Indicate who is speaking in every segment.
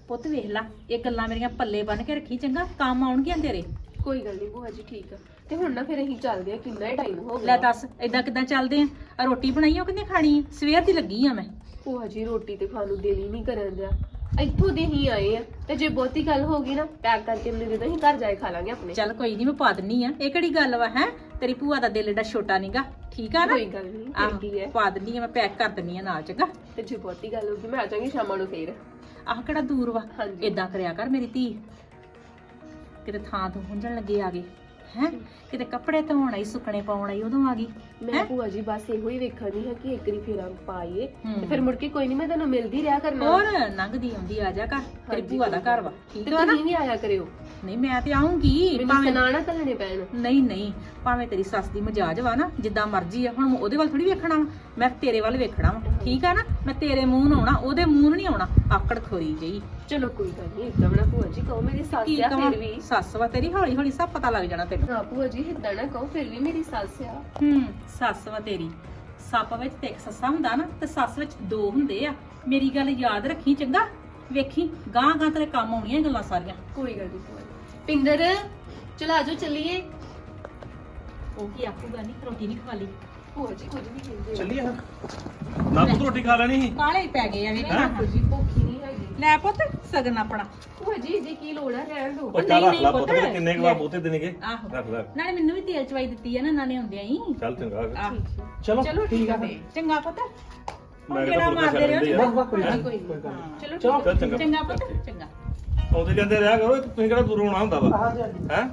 Speaker 1: ਪੁੱਤ ਵੇਖ ਲਾ ਇਹ ਗੱਲਾਂ ਮੇਰੀਆਂ ਪੱਲੇ ਬੰਨ ਕੇ ਰੱਖੀ ਚੰਗਾ, ਕੰਮ ਆਉਣਗੀਆਂ ਤੇਰੇ।
Speaker 2: ਕੋਈ ਗੱਲ ਨਹੀਂ ਭੂਆ ਜੀ, ਠੀਕ ਆ। ਤੇ ਹੁਣ ਨਾ ਫਿਰ ਅਸੀਂ ਚੱਲਦੇ ਆ, ਕਿੰਨਾ ਹੀ ਟਾਈਮ ਹੋ
Speaker 1: ਲੈ
Speaker 2: ਗਿਆ।
Speaker 1: ਦੱਸ ਏਦਾਂ ਕਿੱਦਾਂ ਚੱਲਦੇ ਆ? ਰੋਟੀ ਬਣਾਈ ਉਹ ਕਿੰਨੇ ਖਾਣੀ ਆ? ਸਵੇਰ ਦੀ ਲੱਗੀ ਆ ਮੈਂ।
Speaker 2: ਭੂਆ ਜੀ ਰੋਟੀ ਤੇ ਖਾਣ ਨੂੰ ਦਿਲ ਹੀ ਨਹੀਂ ਕਰਨ ਦਿਆ। ਇੱਥੋਂ ਦੇ ਹੀ ਆਏ ਆ, ਤੇ ਜੇ ਬਹੁਤੀ ਗੱਲ ਹੋ ਗਈ ਨਾ ਪੈਕ ਕਰਕੇ ਮੈਨੂੰ ਦੇ ਦੋ, ਅਸੀਂ ਘਰ ਜਾਏ ਖਾ ਲਾਂਗੇ ਆਪਣੇ।
Speaker 1: ਚੱਲ ਕੋਈ ਨਹੀਂ, ਮੈਂ ਪਾ ਦਿੰਨੀ ਆ। ਇਹ ਕਿਹੜੀ ਗੱਲ ਵਾ ਹੈ? ਤੇਰੀ ਭੂਆ ਦਾ ਦਿਲ ਏਡਾ ਛੋਟਾ ਨੀਗਾ, ਠੀਕ ਆ ਨਾ?
Speaker 2: ਕੋਈ ਗੱਲ ਨਹੀਂ,
Speaker 1: ਆਹੋ,
Speaker 2: ਕੀ ਹੈ।
Speaker 1: ਪਾ ਦਿੰਨੀ ਆ, ਮੈਂ ਪੈਕ ਕਰ ਦਿੰਨੀ ਆ ਨਾਲ, ਚੰਗਾ?
Speaker 2: ਤੇ ਜੇ ਬਹੁਤੀ ਗੱਲ ਹੋ ਗਈ ਮੈਂ ਆ ਜਾਵਾਂਗੀ ਸ਼ਾਮਾਂ ਨੂੰ ਫੇਰ।
Speaker 1: ਆਹ ਕਿਹੜਾ ਦੂਰ ਵਾ?
Speaker 2: ਹਾਂਜੀ।
Speaker 1: ਏਦਾਂ ਕਰਿਆ ਕਰ ਮੇਰੀ ਧੀ, ਕਿਤੇ ਥਾਂ ਤੋਂ ਹੁੰਜਣ ਲੱਗੇ ਆ ਗਏ ਹੈ, ਕਿਤੇ ਕੱਪੜੇ ਧੋਣ ਆਈ, ਸੁੱਕਣੇ ਪਾਉਣ ਆਈ, ਉਦੋਂ ਆ ਗਈ।
Speaker 2: ਮੈਂ ਭੂਆ ਜੀ ਬਸ ਇਹੋ ਹੀ ਵੇਖਣੀ ਹੈ ਕਿ ਇੱਕ ਵਾਰੀ ਫੇਰ ਪਾਈਏ,
Speaker 1: ਹੂੰ।
Speaker 2: ਤੇ ਫਿਰ ਮੁੜ ਕੇ ਕੋਈ ਨਹੀਂ, ਮੈਂ ਤੁਹਾਨੂੰ ਮਿਲਦੀ ਰਿਹਾ ਕਰਨਾ।
Speaker 1: ਹੋਰ ਲੰਘਦੀ ਆਉਂਦੀ ਆ ਜਾ ਕਰ, ਤੇਰੀ
Speaker 2: ਹਾਂਜੀ,
Speaker 1: ਭੂਆ ਦਾ ਘਰ ਵਾ, ਠੀਕ
Speaker 2: ਤੇ
Speaker 1: ਆ ਨਾ?
Speaker 2: ਤੁਸੀਂ ਵੀ ਆਇਆ ਕਰਿਓ,
Speaker 1: ਨਹੀਂ ਮੈਂ ਤੇ ਆਉਂਗੀ,
Speaker 2: ਮੈਨੂੰ ਸੁਣਾਣਾ ਕੱਲਣੇ ਪੈਣ।
Speaker 1: ਨਹੀਂ ਭਾਵੇਂ ਤੇਰੀ ਸੱਸ ਦੀ ਮਜਾਜ ਵਾ ਨਾ ਜਿੱਦਾਂ ਮਰਜ਼ੀ ਆ, ਹੁਣ ਮੈਂ ਉਹਦੇ ਵੱਲ ਥੋੜੀ ਵੇਖਣਾ ਵਾ, ਮੈਂ ਤੇਰੇ ਵੱਲ ਵੇਖਣਾ ਵਾ, ਠੀਕ ਆ ਨਾ? ਮੈਂ ਤੇਰੇ ਮੂੰਹ ਨੂੰ ਆਉਣਾ, ਉਹਦੇ ਮੂੰਹ ਨੂੰ ਨਹੀਂ ਆਉਣਾ, ਆਕੜ ਖੋਰੀ ਜਈ।
Speaker 2: ਚਲੋ ਕੋਈ ਗੱਲ ਨਹੀਂ, ਇਦਾਂ ਨਾ ਭੂਆ ਜੀ ਕਹੋ, ਮੇਰੀ ਸੱਸ
Speaker 1: ਕੀ
Speaker 2: ਆ
Speaker 1: ਕਵਾਂ?
Speaker 2: ਫਿਰ ਵੀ।
Speaker 1: ਸੱਸ ਵਾ ਤੇਰੀ, ਹੌਲੀ ਹੌਲੀ ਸਭ ਪਤਾ ਲੱਗ ਜਾਣਾ ਤੈਨੂੰ।
Speaker 2: ਹਾਂ ਭੂਆ ਜੀ ਇਦਾਂ ਨਾ ਕਹੋ, ਫਿਰ ਵੀ ਮੇਰੀ ਸੱਸ ਆ।
Speaker 1: ਸੱਸ ਵਾ ਤੇਰੀ। ਸੱਪ ਵਿੱਚ ਤੇ ਇੱਕ ਸੱਸਾ ਹੁੰਦਾ ਨਾ, ਤੇ ਸੱਸ ਵਿੱਚ ਦੋ ਹੁੰਦੇ ਆ। ਮੇਰੀ ਗੱਲ ਯਾਦ ਰੱਖੀ ਚੰਗਾ, ਵੇਖੀ ਗਾਂ ਗਾਂ ਤੇਰੇ ਕੰਮ ਆਉਣੀਆਂ ਇਹ ਗੱਲਾਂ ਸਾਰੀਆਂ।
Speaker 2: ਕੋਈ ਗੱਲ ਨਹੀਂ ਭੂਆ ਜੀ। ਪਿੰਦਰ ਚਲ ਆਜੋ ਚੱਲੀਏ।
Speaker 1: ਉਹ ਕੀ ਆਖੂਗਾ, ਨਹੀਂ ਰੋਟੀ ਨਹੀਂ ਖਵਾ ਲਈ।
Speaker 2: ਭੂਆ ਜੀ ਕੁਝ ਨਹੀਂ ਕਹਿੰਦੇ।
Speaker 3: ਚੱਲੀਏ ਹਾਂ ਨਾ ਪੁੱਤ, ਰੋਟੀ ਖਾ ਲੈਣੀ ਸੀ।
Speaker 1: ਕਾਲੇ ਹੀ ਪੈ ਗਏ ਆ ਵੇਖਣਾ।
Speaker 2: ਭੂਆ ਜੀ ਭੁੱਖੀ ਨਹੀਂ ਹੈਗੀ।
Speaker 1: ਲੈ ਪੁੱਤ ਸਗਨ ਆਪਣਾ।
Speaker 2: ਭੂਆ ਜੀ ਜੇ ਕੀ ਲੋੜ ਹੈ ਰਹਿਣ ਦਿਓ।
Speaker 3: ਉਹ ਚੱਲ ਰੱਖ
Speaker 1: ਨਹੀਂ
Speaker 3: ਲਾ
Speaker 1: ਪੁੱਤ,
Speaker 3: ਪੁੱਤ, ਕਿੰਨੇ ਕੁ ਵਾ ਬਹੁਤੇ ਦੇਣਗੇ।
Speaker 1: ਆਹੋ,
Speaker 3: ਰੱਖ ਲੈ,
Speaker 1: ਨਾਲੇ ਮੈਨੂੰ ਵੀ ਤੇਲ ਚਵਾਈ ਦਿੱਤੀ ਆ ਨਾ ਨਾਲੇ ਆਉਂਦਿਆਂ ਹੀ।
Speaker 3: ਚੱਲ ਚੰਗਾ।
Speaker 1: ਆਹ,
Speaker 3: ਚਲੋ
Speaker 2: ਠੀਕ ਆ ਫੇਰ।
Speaker 1: ਚੰਗਾ ਪੁੱਤ,
Speaker 3: ਮੈਂ
Speaker 1: ਕਿਹੜਾ
Speaker 3: ਕਿਹੜਾ
Speaker 1: ਮਾਰਦੇ ਰਹੋ ਜੀ।
Speaker 2: ਕੋਈ ਨਹੀਂ ਚਲੋ
Speaker 3: ਚੱਲ ਚੰਗਾ
Speaker 1: ਚੰਗਾ ਪੁੱਤ, ਚੰਗਾ।
Speaker 3: ਆਉਂਦੇ ਜਾਂਦੇ ਰਿਹਾ ਕਰੋ, ਤੁਸੀਂ ਕਿਹੜਾ ਦੂਰੋਂ ਆਉਣਾ ਹੁੰਦਾ ਵਾ ਹੈ।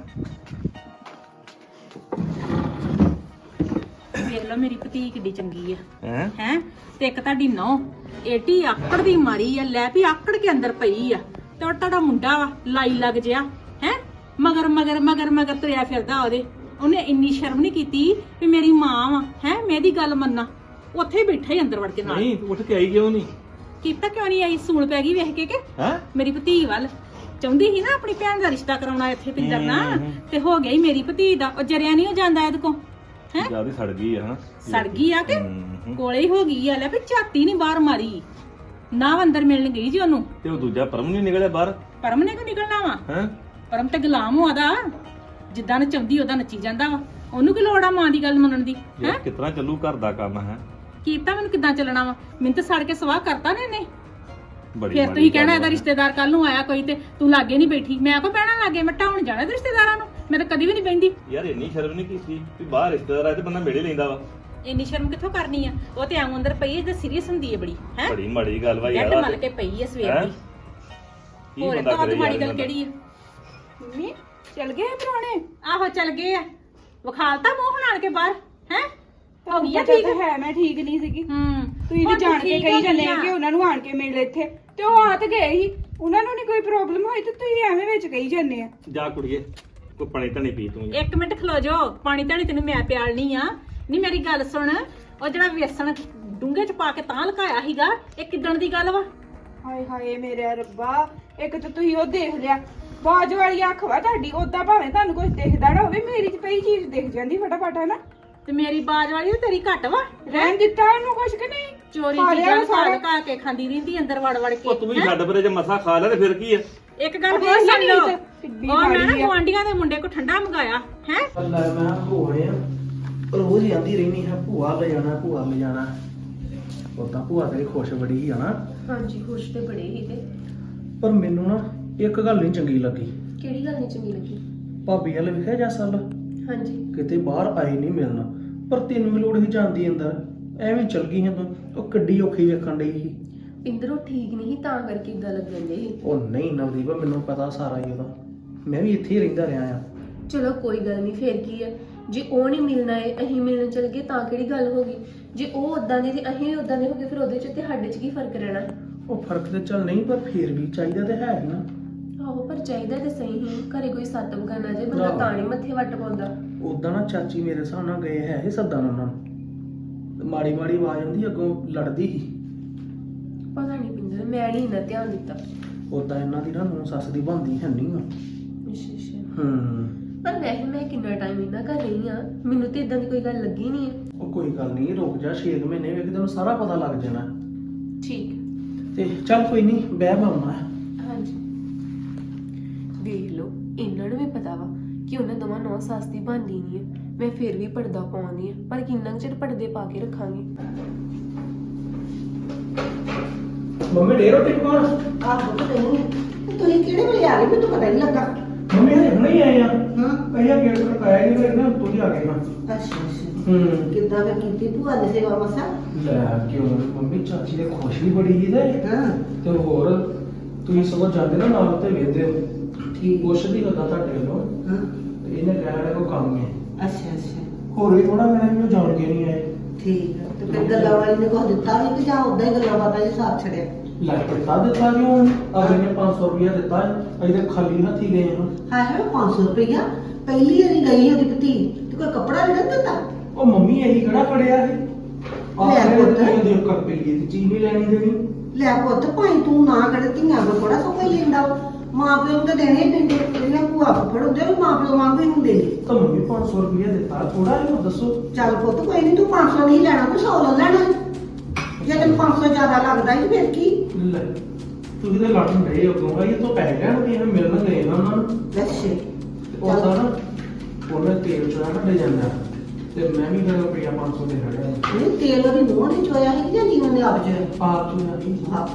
Speaker 1: ਵੇਖ ਲਓ ਮੇਰੀ ਭਤੀ ਕਿੱਡੀ ਚੰਗੀ ਆ
Speaker 3: ਹੈ
Speaker 1: ਤੇ ਇੱਕ ਤੁਹਾਡੀ ਨੌ ਏਟੀ ਆਕੜ ਦੀ ਮਾਰੀ ਆ। ਲੈ ਵੀ ਆਕੜ ਕੇ ਅੰਦਰ ਪਈ ਆ, ਤੇ ਉਹ ਤੁਹਾਡਾ ਮੁੰਡਾ ਵਾ ਲਾਈ ਲੱਗ ਜਿਆ ਹੈ, ਮਗਰ ਮਗਰ ਮਗਰ ਮਗਰ ਤੁਰਿਆ ਫਿਰਦਾ ਉਹਦੇ। ਉਹਨੇ ਇੰਨੀ ਸ਼ਰਮ ਨਹੀਂ ਕੀਤੀ ਵੀ ਮੇਰੀ ਮਾਂ ਵਾ ਹੈ, ਮੈਂ ਇਹਦੀ ਗੱਲ ਮੰਨਾਂ। ਉੱਥੇ ਹੀ ਬੈਠਾ ਹੀ ਅੰਦਰ ਵੜ ਕੇ ਨਾਲ।
Speaker 3: ਨਹੀਂ ਉੱਠ ਕੇ ਆਈ ਕਿਉਂ ਨਹੀਂ?
Speaker 1: ਕੀਤਾ ਕਿਉਂ ਨਹੀਂ ਆਈ? ਸੂਲ ਪੈ ਗਈ ਵੇਖ ਕੇ ਕਿ
Speaker 3: ਹੈ
Speaker 1: ਮੇਰੀ ਭਤੀ ਵੱਲ ਚਾਹੁੰਦੀ ਸੀ ਨਾ ਆਪਣੀ ਭੈਣ ਦਾ ਰਿਸ਼ਤਾ ਕਰਾਉਣਾ ਇੱਥੇ ਪਿੰਦਰ ਨਾਲ, ਤੇ ਹੋ ਗਿਆ ਹੀ ਮੇਰੀ ਭਤੀ ਦਾ। ਉਹ ਜਰਿਆ ਨਹੀਂ ਉਹ ਜਾਂਦਾ ਇਹਦੇ ਕੋ ਹੈ,
Speaker 3: ਜਿਆਦਾ ਸੜ ਗਈ ਹੈ।
Speaker 1: ਸੜ ਗਈ ਆ ਕਿ ਕੋਲੇ ਹੀ ਹੋ ਗਈ ਆ। ਲੈ ਵੀ ਝਾਤੀ ਨਹੀਂ ਬਾਹਰ ਮਾਰੀ ਨਾ, ਅੰਦਰ ਮਿਲਣ ਗਈ ਜੀ ਉਹਨੂੰ।
Speaker 3: ਤੇ ਉਹ ਦੂਜਾ ਪਰਮ ਨਹੀਂ ਨਿਕਲਿਆ ਬਾਹਰ
Speaker 1: ਪਰਮ ਨੇ ਕਿਉਂ ਨਿਕਲਣਾ ਵਾ?
Speaker 3: ਹੈ
Speaker 1: ਪਰਮ ਤੇ ਗੁਲਾਮ ਹੋਦਾ, ਜਿੱਦਾਂ ਨਚਾਉਂਦੀ ਉਹਦਾ ਨੱਚੀ ਜਾਂਦਾ ਵਾ। ਉਹਨੂੰ ਕੀ ਲੋੜ ਆ ਮਾਂ ਦੀ ਗੱਲ ਮੰਨਣ ਦੀ ਹੈ?
Speaker 3: ਕਿਤਨਾ ਚੱਲੂ ਘਰ ਦਾ ਕੰਮ ਹੈ।
Speaker 1: ਕੀਤਾ ਮੈਨੂੰ ਕਿੱਦਾਂ ਚੱਲਣਾ ਵਾ? ਮੈਨੂੰ ਤਾਂ ਸੜ ਕੇ ਸਵਾਹ ਕਰਤਾ ਨੇ ਇਹਨੇ।
Speaker 3: ਬੜੀ
Speaker 1: ਫਿਰ
Speaker 3: ਮਾੜੀ
Speaker 1: ਤੁਸੀਂ ਕਹਿਣਾ
Speaker 3: ਗੱਲ
Speaker 1: ਇਹਦਾ
Speaker 3: ਆ।
Speaker 1: ਰਿਸ਼ਤੇਦਾਰ ਕੱਲ ਨੂੰ ਆਇਆ ਕੋਈ ਤੇ ਤੂੰ ਲਾਗੇ ਨਹੀਂ ਬੈਠੀ। ਮੈਂ ਕੋ ਬਹਿਣਾ ਲਾਗੇ? ਮੈਂ ਢਾਉਣ ਜਾਣਾ ਤੇ ਰਿਸ਼ਤੇਦਾਰਾਂ ਨੂੰ? ਮੈਂ ਤਾਂ ਕਦੀ ਵੀ ਨਹੀਂ ਬਹਿੰਦੀ।
Speaker 3: ਯਾਰ ਇੰਨੀ ਸ਼ਰਮ ਨਹੀਂ ਕੀਤੀ ਵੀ ਬਾਹਰ ਰਿਸ਼ਤੇਦਾਰ ਆਏ ਤੇ ਬੰਦਾ ਮਿਲੇ ਲੈਂਦਾ ਵਾ।
Speaker 1: ਇੰਨੀ ਸ਼ਰਮ ਕਿੱਥੋਂ ਕਰਨੀ ਆ? ਉਹ ਤੇ ਆਉਂ ਅੰਦਰ ਪਈ ਹੈ ਤੇ ਸੀਰੀਅਸ ਹੁੰਦੀ ਹੈ ਬੜੀ ਹੈ।
Speaker 3: ਬੜੀ ਮਾੜੀ ਗੱਲ ਵਾ
Speaker 1: ਜੱਟ
Speaker 3: ਯਾਰ।
Speaker 1: ਮਲ ਕੇ ਪਈ ਹੈ ਸਵੇਰ
Speaker 3: ਹੈਂ?
Speaker 1: ਦੀ।
Speaker 3: ਕੀ
Speaker 1: ਹੋਰ
Speaker 3: ਬੰਦਾ
Speaker 1: ਤਾਂ
Speaker 3: ਕਰੇ
Speaker 1: ਮਾੜੀ
Speaker 3: ਯਾਰ
Speaker 1: ਗੱਲ
Speaker 3: ਬੰਦਾ।
Speaker 1: ਕਿਹੜੀ ਆ?
Speaker 2: ਮੰਮੀ ਚੱਲ ਗਏ ਪਰੋਣੇ?
Speaker 1: ਆਹੋ ਚੱਲ ਗਏ ਆ। ਵਿਖਾਲਤਾ ਮੂੰਹ ਹਲਾਣ ਕੇ ਬਾਹਰ ਹੈ। ਹੋ ਗਈ ਆ
Speaker 4: ਪਤਾ
Speaker 1: ਠੀਕ?
Speaker 4: ਤਾਂ ਹੈ ਮੈਂ ਠੀਕ ਨਹੀਂ ਸੀਗੀ। ਤੁਸੀਂ
Speaker 1: ਹੁਣ
Speaker 4: ਵੀ ਜਾਣ ਕੇ
Speaker 1: ਠੀਕ
Speaker 4: ਕਹੀ
Speaker 1: ਹੋ
Speaker 4: ਜਾਂਦੇ
Speaker 1: ਗਈ
Speaker 4: ਆ
Speaker 1: ਆ।
Speaker 4: ਕਿ ਉਹਨਾਂ ਨੂੰ ਆਣ ਕੇ ਮਿਲ ਇੱਥੇ, ਤੇ ਉਹ ਆ ਤੇ ਗਏ ਹੀ। ਉਹਨਾਂ ਨੂੰ ਨਹੀਂ ਕੋਈ ਪ੍ਰੋਬਲਮ ਹੋਈ ਤੇ ਤੁਸੀਂ ਐਵੇਂ ਵਿੱਚ ਕਹੀ ਜਾਂਦੇ ਆ।
Speaker 3: ਜਾ ਕੁੜੀਏ ਕੋਈ ਪਾਣੀ ਤਾਂ ਨਹੀਂ ਪੀ ਤੂੰ।
Speaker 1: ਇੱਕ ਮਿੰਟ ਖਲੋ ਜੋ, ਪਾਣੀ ਧਾਣੀ ਤੈਨੂੰ ਮੈਂ ਪਿਆਲਣੀ ਆ। ਨਹੀਂ ਮੇਰੀ ਗੱਲ ਸੁਣ, ਉਹ ਜਿਹੜਾ ਵੇਸਣ ਡੂੰਘੇ ਚ ਪਾ ਕੇ ਤਾਂ ਲਕਾਇਆ ਸੀਗਾ, ਇਹ ਕਿੱਦਣ ਦੀ ਗੱਲ ਵਾ?
Speaker 4: ਹਾਏ ਹਾਏ ਮੇਰੇ ਰੱਬਾ, ਇੱਕ ਤਾਂ ਤੁਸੀਂ ਉਹ ਦੇਖ ਲਿਆ, ਬਾਜ ਵਾਲੀ ਅੱਖ ਵਾ ਤੁਹਾਡੀ। ਓਦਾਂ ਭਾਵੇਂ ਤੁਹਾਨੂੰ ਕੁਝ ਦਿਖਦਾ ਨਾ ਹੋਵੇ, ਮੇਰੀ ਚ ਪਈ ਚੀਜ਼ ਦਿਖ ਜਾਂਦੀ ਫਟਾਫਟ, ਹੈ ਨਾ?
Speaker 1: ਤੇ ਮੇਰੀ ਬਾਜ ਵਾਲੀ ਤੇ ਤੇਰੀ ਘੱਟ ਵਾ।
Speaker 4: ਰਹਿਣ ਦਿੱਤਾ ਉਹਨੂੰ ਕੁਝ ਕਿ ਨਹੀਂ?
Speaker 1: ਚੋਰੀ
Speaker 4: ਖਾ ਲਿਆ
Speaker 1: ਚੀਜ਼ਾਂ
Speaker 4: ਸਾਰਾ।
Speaker 1: ਲਕਾ ਕੇ ਖਾਂਦੀ ਰਹਿੰਦੀ ਅੰਦਰ ਵੜ ਵੜ ਕੇ।
Speaker 3: ਉਹ ਤੂੰ ਵੀ ਛੱਡ ਪਰੇ, ਜੇ ਮਸਾ ਖਾ ਲਿਆ ਤੇ ਫਿਰ ਕੀ ਹੈ?
Speaker 1: ਇੱਕ ਗੱਲ
Speaker 4: ਉਹ
Speaker 1: ਹੋਰ ਸੁਣ
Speaker 4: ਨਹੀਂ
Speaker 1: ਲਓ,
Speaker 4: ਤੇ ਕਿੱਡੀ
Speaker 1: ਉਹ ਮੈਂ ਨਾ
Speaker 4: ਮਾੜੀ ਆ।
Speaker 1: ਗੁਆਂਢੀਆਂ ਦੇ ਮੁੰਡੇ ਕੋ ਠੰਡਾ ਮੰਗਾਇਆ ਹੈ।
Speaker 5: ਅੱਲਾ ਮੈਂ ਹੋਣੇ ਆ ਰੋਜ਼ ਹੀ ਆਂਦੀ ਰਹਿਣੀ ਹੈ ਭੂਆ ਲੈ ਜਾਣਾ, ਭੂਆ ਲੈ ਜਾਣਾ। ਉਦਾਂ ਭੂਆ ਤੇਰੀ ਖੁਸ਼ ਬੜੀ ਹੀ ਆ ਨਾ,
Speaker 2: ਹਾਂਜੀ ਖੁਸ਼ ਤੇ ਬੜੇ ਹੀ ਤੇ।
Speaker 5: ਪਰ ਮੈਨੂੰ ਨਾ ਇੱਕ ਗੱਲ ਨਹੀਂ ਚੰਗੀ ਲੱਗੀ।
Speaker 2: ਕਿਹੜੀ ਗੱਲ ਨਹੀਂ ਚੰਗੀ ਲੱਗੀ?
Speaker 5: ਭਾਬੀ ਵਾਲੇ ਵਿਖਿਆ ਜਾ ਸਾਲ
Speaker 2: ਹਾਂਜੀ
Speaker 5: ਕਿਤੇ ਬਾਹਰ ਆਈ ਨਹੀਂ ਮਿਲਣਾ, ਪਰ ਤੈਨੂੰ ਵੀ ਲੋੜ ਹੀ ਜਾਂਦੀ ਅੰਦਰ, ਐਵੇਂ ਚਲ ਗਈ ਹੈ ਤੂੰ। ਉਹ ਕਿੱਡੀ ਔਖੀ ਵੇਖਣ ਡਈ ਸੀ।
Speaker 2: ਪਿੰਦਰੋਂ ਠੀਕ ਨਹੀਂ ਤਾਂ ਕਰਕੇ ਇਦਾਂ ਲੱਗਣ ਦੇ।
Speaker 5: ਉਹ ਨਹੀਂ ਨਵਦੀਪ, ਮੈਨੂੰ ਪਤਾ ਸਾਰਾ ਹੀ ਉਹਦਾ, ਮੈਂ ਵੀ ਇੱਥੇ ਹੀ ਰਹਿੰਦਾ ਰਿਹਾ ਆ।
Speaker 2: ਚਲੋ ਕੋਈ ਗੱਲ ਨਹੀਂ, ਫੇਰ ਕੀ ਹੈ? ਜੇ ਉਹ ਨਹੀਂ ਮਿਲਣਾ ਏ, ਅਸੀਂ ਮਿਲਣ ਚਲ ਗਏ ਤਾਂ ਕਿਹੜੀ ਗੱਲ ਹੋ ਗਈ? ਜੇ ਉਹ ਉਦਾਂ ਦੇ ਤੇ ਅਸੀਂ ਵੀ ਉਦਾਂ ਦੇ ਹੋ ਗਏ, ਫਿਰ ਉਹਦੇ ਚ ਤੇ ਸਾਡੇ ਚ ਕੀ ਫਰਕ ਰਹਿਣਾ?
Speaker 5: ਉਹ ਫਰਕ ਤੇ ਚੱਲ ਨਹੀਂ, ਪਰ ਫੇਰ ਵੀ ਚਾਹੀਦਾ ਤੇ ਹੈ ਹੀ ਨਾ।
Speaker 2: ਆਹੋ ਪਰ ਚਾਹੀਦਾ ਤੇ ਸਹੀ ਹੀ। ਘਰੇ ਕੋਈ ਸੱਤ ਬਗਾਨਾ ਜੇ ਬੰਦਾ
Speaker 5: ਆਹੋ।
Speaker 2: ਤਾਂ ਨਹੀਂ ਮੱਥੇ ਵੱਟ ਪਾਉਂਦਾ।
Speaker 5: ਉਦਾਂ ਨਾ ਚਾਚੀ ਮੇਰੇ ਹਿਸਾਬ ਨਾਲ ਗਏ ਹੈ ਇਹ ਸੱਦਣ ਉਹਨਾਂ ਨੂੰ, ਤੇ ਮਾੜੀ ਮਾੜੀ ਆਵਾਜ਼ ਆਉਂਦੀ ਅੱਗੋਂ ਲੜਦੀ ਸੀ।
Speaker 2: ਪਤਾ ਨਹੀਂ ਪਿੰਦਰ, ਮੈਂ ਨਹੀਂ ਇੰਨਾ ਧਿਆਨ ਦਿੱਤਾ।
Speaker 5: ਉਦਾਂ ਇਹਨਾਂ ਦੀ ਨਾ ਨੂੰਹ ਸੱਸ ਦੀ ਬਣਦੀ ਹੈ ਨਹੀਂ ਆ।
Speaker 2: ਅੱਛਾ ਅੱਛਾ।
Speaker 5: ਹੂੰ,
Speaker 2: ਪਰ ਵੈਸੇ ਮੈਂ ਕਿੰਨਾ ਟਾਈਮ ਇਹਨਾਂ ਘਰ ਰਹੀ ਆ, ਮੈਨੂੰ ਤੇ ਇਦਾਂ ਦੀ ਕੋਈ ਗੱਲ ਲੱਗੀ ਨਹੀਂ ਹੈ।
Speaker 5: ਉਹ ਕੋਈ ਗੱਲ ਨਹੀਂ, ਰੁਕ ਜਾ 6 ਮਹੀਨੇ ਵੇਖ ਤੈਨੂੰ ਸਾਰਾ ਪਤਾ ਲੱਗ ਜਾਣਾ।
Speaker 2: ਠੀਕ।
Speaker 5: ਤੇ ਚੱਲ ਕੋਈ ਨਹੀਂ, ਬਹਿ ਮਾਮਾ।
Speaker 2: ਹਾਂਜੀ ਇਹਨਾਂ ਨੂੰ ਵੀ ਪਤਾ ਵਾ ਕਿ ਉਹਨਾਂ ਦੋਵਾਂ ਨੌ ਸੱਸ ਦੀ ਬਣਦੀ ਨਹੀਂ ਆ। ਮੈਂ ਫਿਰ ਵੀ ਪਰਦਾ ਪਾਉਂਦੀ ਆ, ਪਰ ਕਿੰਨਾ ਕੁ ਚਿਰ ਪਰਦੇ ਪਾ ਕੇ ਰੱਖਾਂਗੀ।
Speaker 5: ਮੰਮੀ ਡੇ ਰੋਟੀ ਪਕਾਉਣ।
Speaker 6: ਆਹੋ ਪਤਾ ਨਹੀਂ ਤੁਸੀਂ ਕਿਹੜੇ ਵੇਲੇ ਆ ਗਏ ਮੈਨੂੰ ਪਤਾ ਨਹੀਂ ਲੱਗਾ।
Speaker 5: ਮੰਮੀ ਹਜੇ ਹੁਣੇ ਹੀ ਆਏ ਆ।
Speaker 6: ਹਾਂ
Speaker 5: ਪਹਿਲਾਂ ਗੇਟ ਖੜਕਾਇਆ ਨਹੀਂ ਫਿਰ ਨਾ ਤੂੰ ਹੀ ਆ ਗਏ ਨਾ।
Speaker 6: ਅੱਛਾ
Speaker 5: ਹੂੰ
Speaker 6: ਕਿੱਦਾਂ ਫਿਰ ਕੀਤੀ ਭੂਆ ਦੀ ਸੇਵਾ ਮਸਾ?
Speaker 5: ਲੈ ਕਿਉਂ ਮੰਮੀ ਚਾਚੀ ਦੇ ਖੁਸ਼ ਵੀ ਬੜੀ ਸੀ ਤੇ
Speaker 6: ਹਾਂ
Speaker 5: ਤੇ ਹੋਰ ਤੁਸੀਂ ਸਗੋਂ ਜਾਂਦੇ ਨਾ ਨਾਲ ਤੇ ਵੇਖਦੇ ਹੋ
Speaker 6: ਠੀਕ
Speaker 5: ਪੁੱਛਦੀ ਲੱਗਾ ਤੁਹਾਡੇ ਵੱਲੋਂ
Speaker 6: ਹਾਂ
Speaker 5: ਤੇ ਇਹਨੇ ਕਹਿਣਾ ਕੋਈ ਕੰਮ ਹੈ
Speaker 6: ਅੱਛਾ ਅੱਛਾ
Speaker 5: ਹੋਰ ਵੀ ਥੋੜਾ ਮੇਰਾ ਵੀ ਉਹ ਜਾਣ ਕੇ ਨਹੀਂ ਆਏ
Speaker 6: ਠੀਕ ਆ। ਤੇ ਫਿਰ ਗੱਲਾਂ ਵਾਲੀ ਨੇ ਕੁਝ ਦਿੱਤਾ ਨਹੀਂ ਕਿ ਜਾਂ ਉਦਾਂ ਹੀ ਗੱਲਾਂ ਬਾਤਾਂ ਜੀ ਸਾਥ ਛੜਿਆ?
Speaker 5: ਲੈ ਦਿੱਤਾ ਕਿਉਂ ਅਗਲੇ ਨੇ 500 ਰੁਪਇਆ ਦਿੱਤਾ ਅਜੇ ਤੇ ਖਾਲੀ ਹੱਥੀ ਗਏ ਹਾਂ
Speaker 6: ਹਾਂ ਹੈ 500 ਰੁਪਇਆ ਪਹਿਲੀ ਵਾਰੀ ਗਈ ਉਹਦੀ ਭਤੀ ਤੇ ਕੋਈ ਕੱਪੜਾ ਨਹੀਂ ਦਿੱਤਾ?
Speaker 5: ਉਹ ਮੰਮੀ ਇਹੀ ਕਿਹੜਾ ਫੜਿਆ ਸੀ
Speaker 6: ਲੈ
Speaker 5: ਆਪਣੇ
Speaker 6: ਪੁੱਤ।
Speaker 5: ਤੇ ਦੇ ਕਰ ਪਈ ਦੀ ਚੀਜ਼ ਨਹੀਂ ਲੈਣੀ ਦੇਣੀ
Speaker 6: ਲੈ ਪੁੱਤ ਭਾਈ ਤੂੰ ਨਾ ਕਰੇ ਧੀਆਂ ਕੋ ਥੋੜਾ ਸੋ ਕੋਈ ਲੈਂਦਾ ਵਾ। ਮਾਂ ਪਿਓ ਨੂੰ ਤਾਂ ਦੇਣੇ ਹੀ ਪੈਂਦੇ ਜਿਹੜੀਆਂ ਭੂਆ ਫੁੱਫੜ ਹੁੰਦੇ ਉਹ ਮਾਂ ਪਿਓ ਵਾਂਗੂ ਹੀ ਹੁੰਦੇ ਨੇ।
Speaker 5: ਤਾਂ ਮੰਮੀ 500 ਰੁਪਇਆ ਦਿੱਤਾ ਥੋੜਾ ਜਿਹਾ ਦੱਸੋ
Speaker 6: ਚੱਲ ਪੁੱਤ ਕੋਈ ਨਹੀਂ ਤੂੰ 500 ਨਹੀਂ ਲੈਣਾ ਤੂੰ 100 ਲੈ ਲੈਣਾ। ਜੇ ਤੈਨੂੰ 500 ਜ਼ਿਆਦਾ ਲੱਗਦਾ ਹੀ ਫਿਰ ਕੀ?
Speaker 5: ਲੈ ਤੁਸੀਂ ਤੇ ਲੜਨ ਰਹੇ ਹੋ ਕਿਉਂ ਇਹ ਤੋਂ ਪੈਸੇ ਲੈਣ ਕਿ ਇਹ ਮਿਲਣ ਗਏ ਨਾ ਉਹਨਾਂ ਨੂੰ
Speaker 6: ਅੱਛਾ
Speaker 5: ਉਹ ਤਾਂ ਨਾ ਉਹਨੇ ਤੇਲ ਚੋਂ ਕੱਢੇ ਜਾਂਦਾ ਤੇ ਮੈਂ ਵੀ ਫਿਰ ਰੁਪਇਆ 500 ਦੇ ਖੜਿਆ
Speaker 6: ਇਹ ਤੇਲ ਉਹਦੀ ਮੂੰਹ ਨਹੀਂ ਚੋਇਆ ਸੀ ਜਾਂ ਜੀਵਨ ਦੇ ਆਪ ਚ?
Speaker 5: ਆਪ ਚੋਂ ਆਈ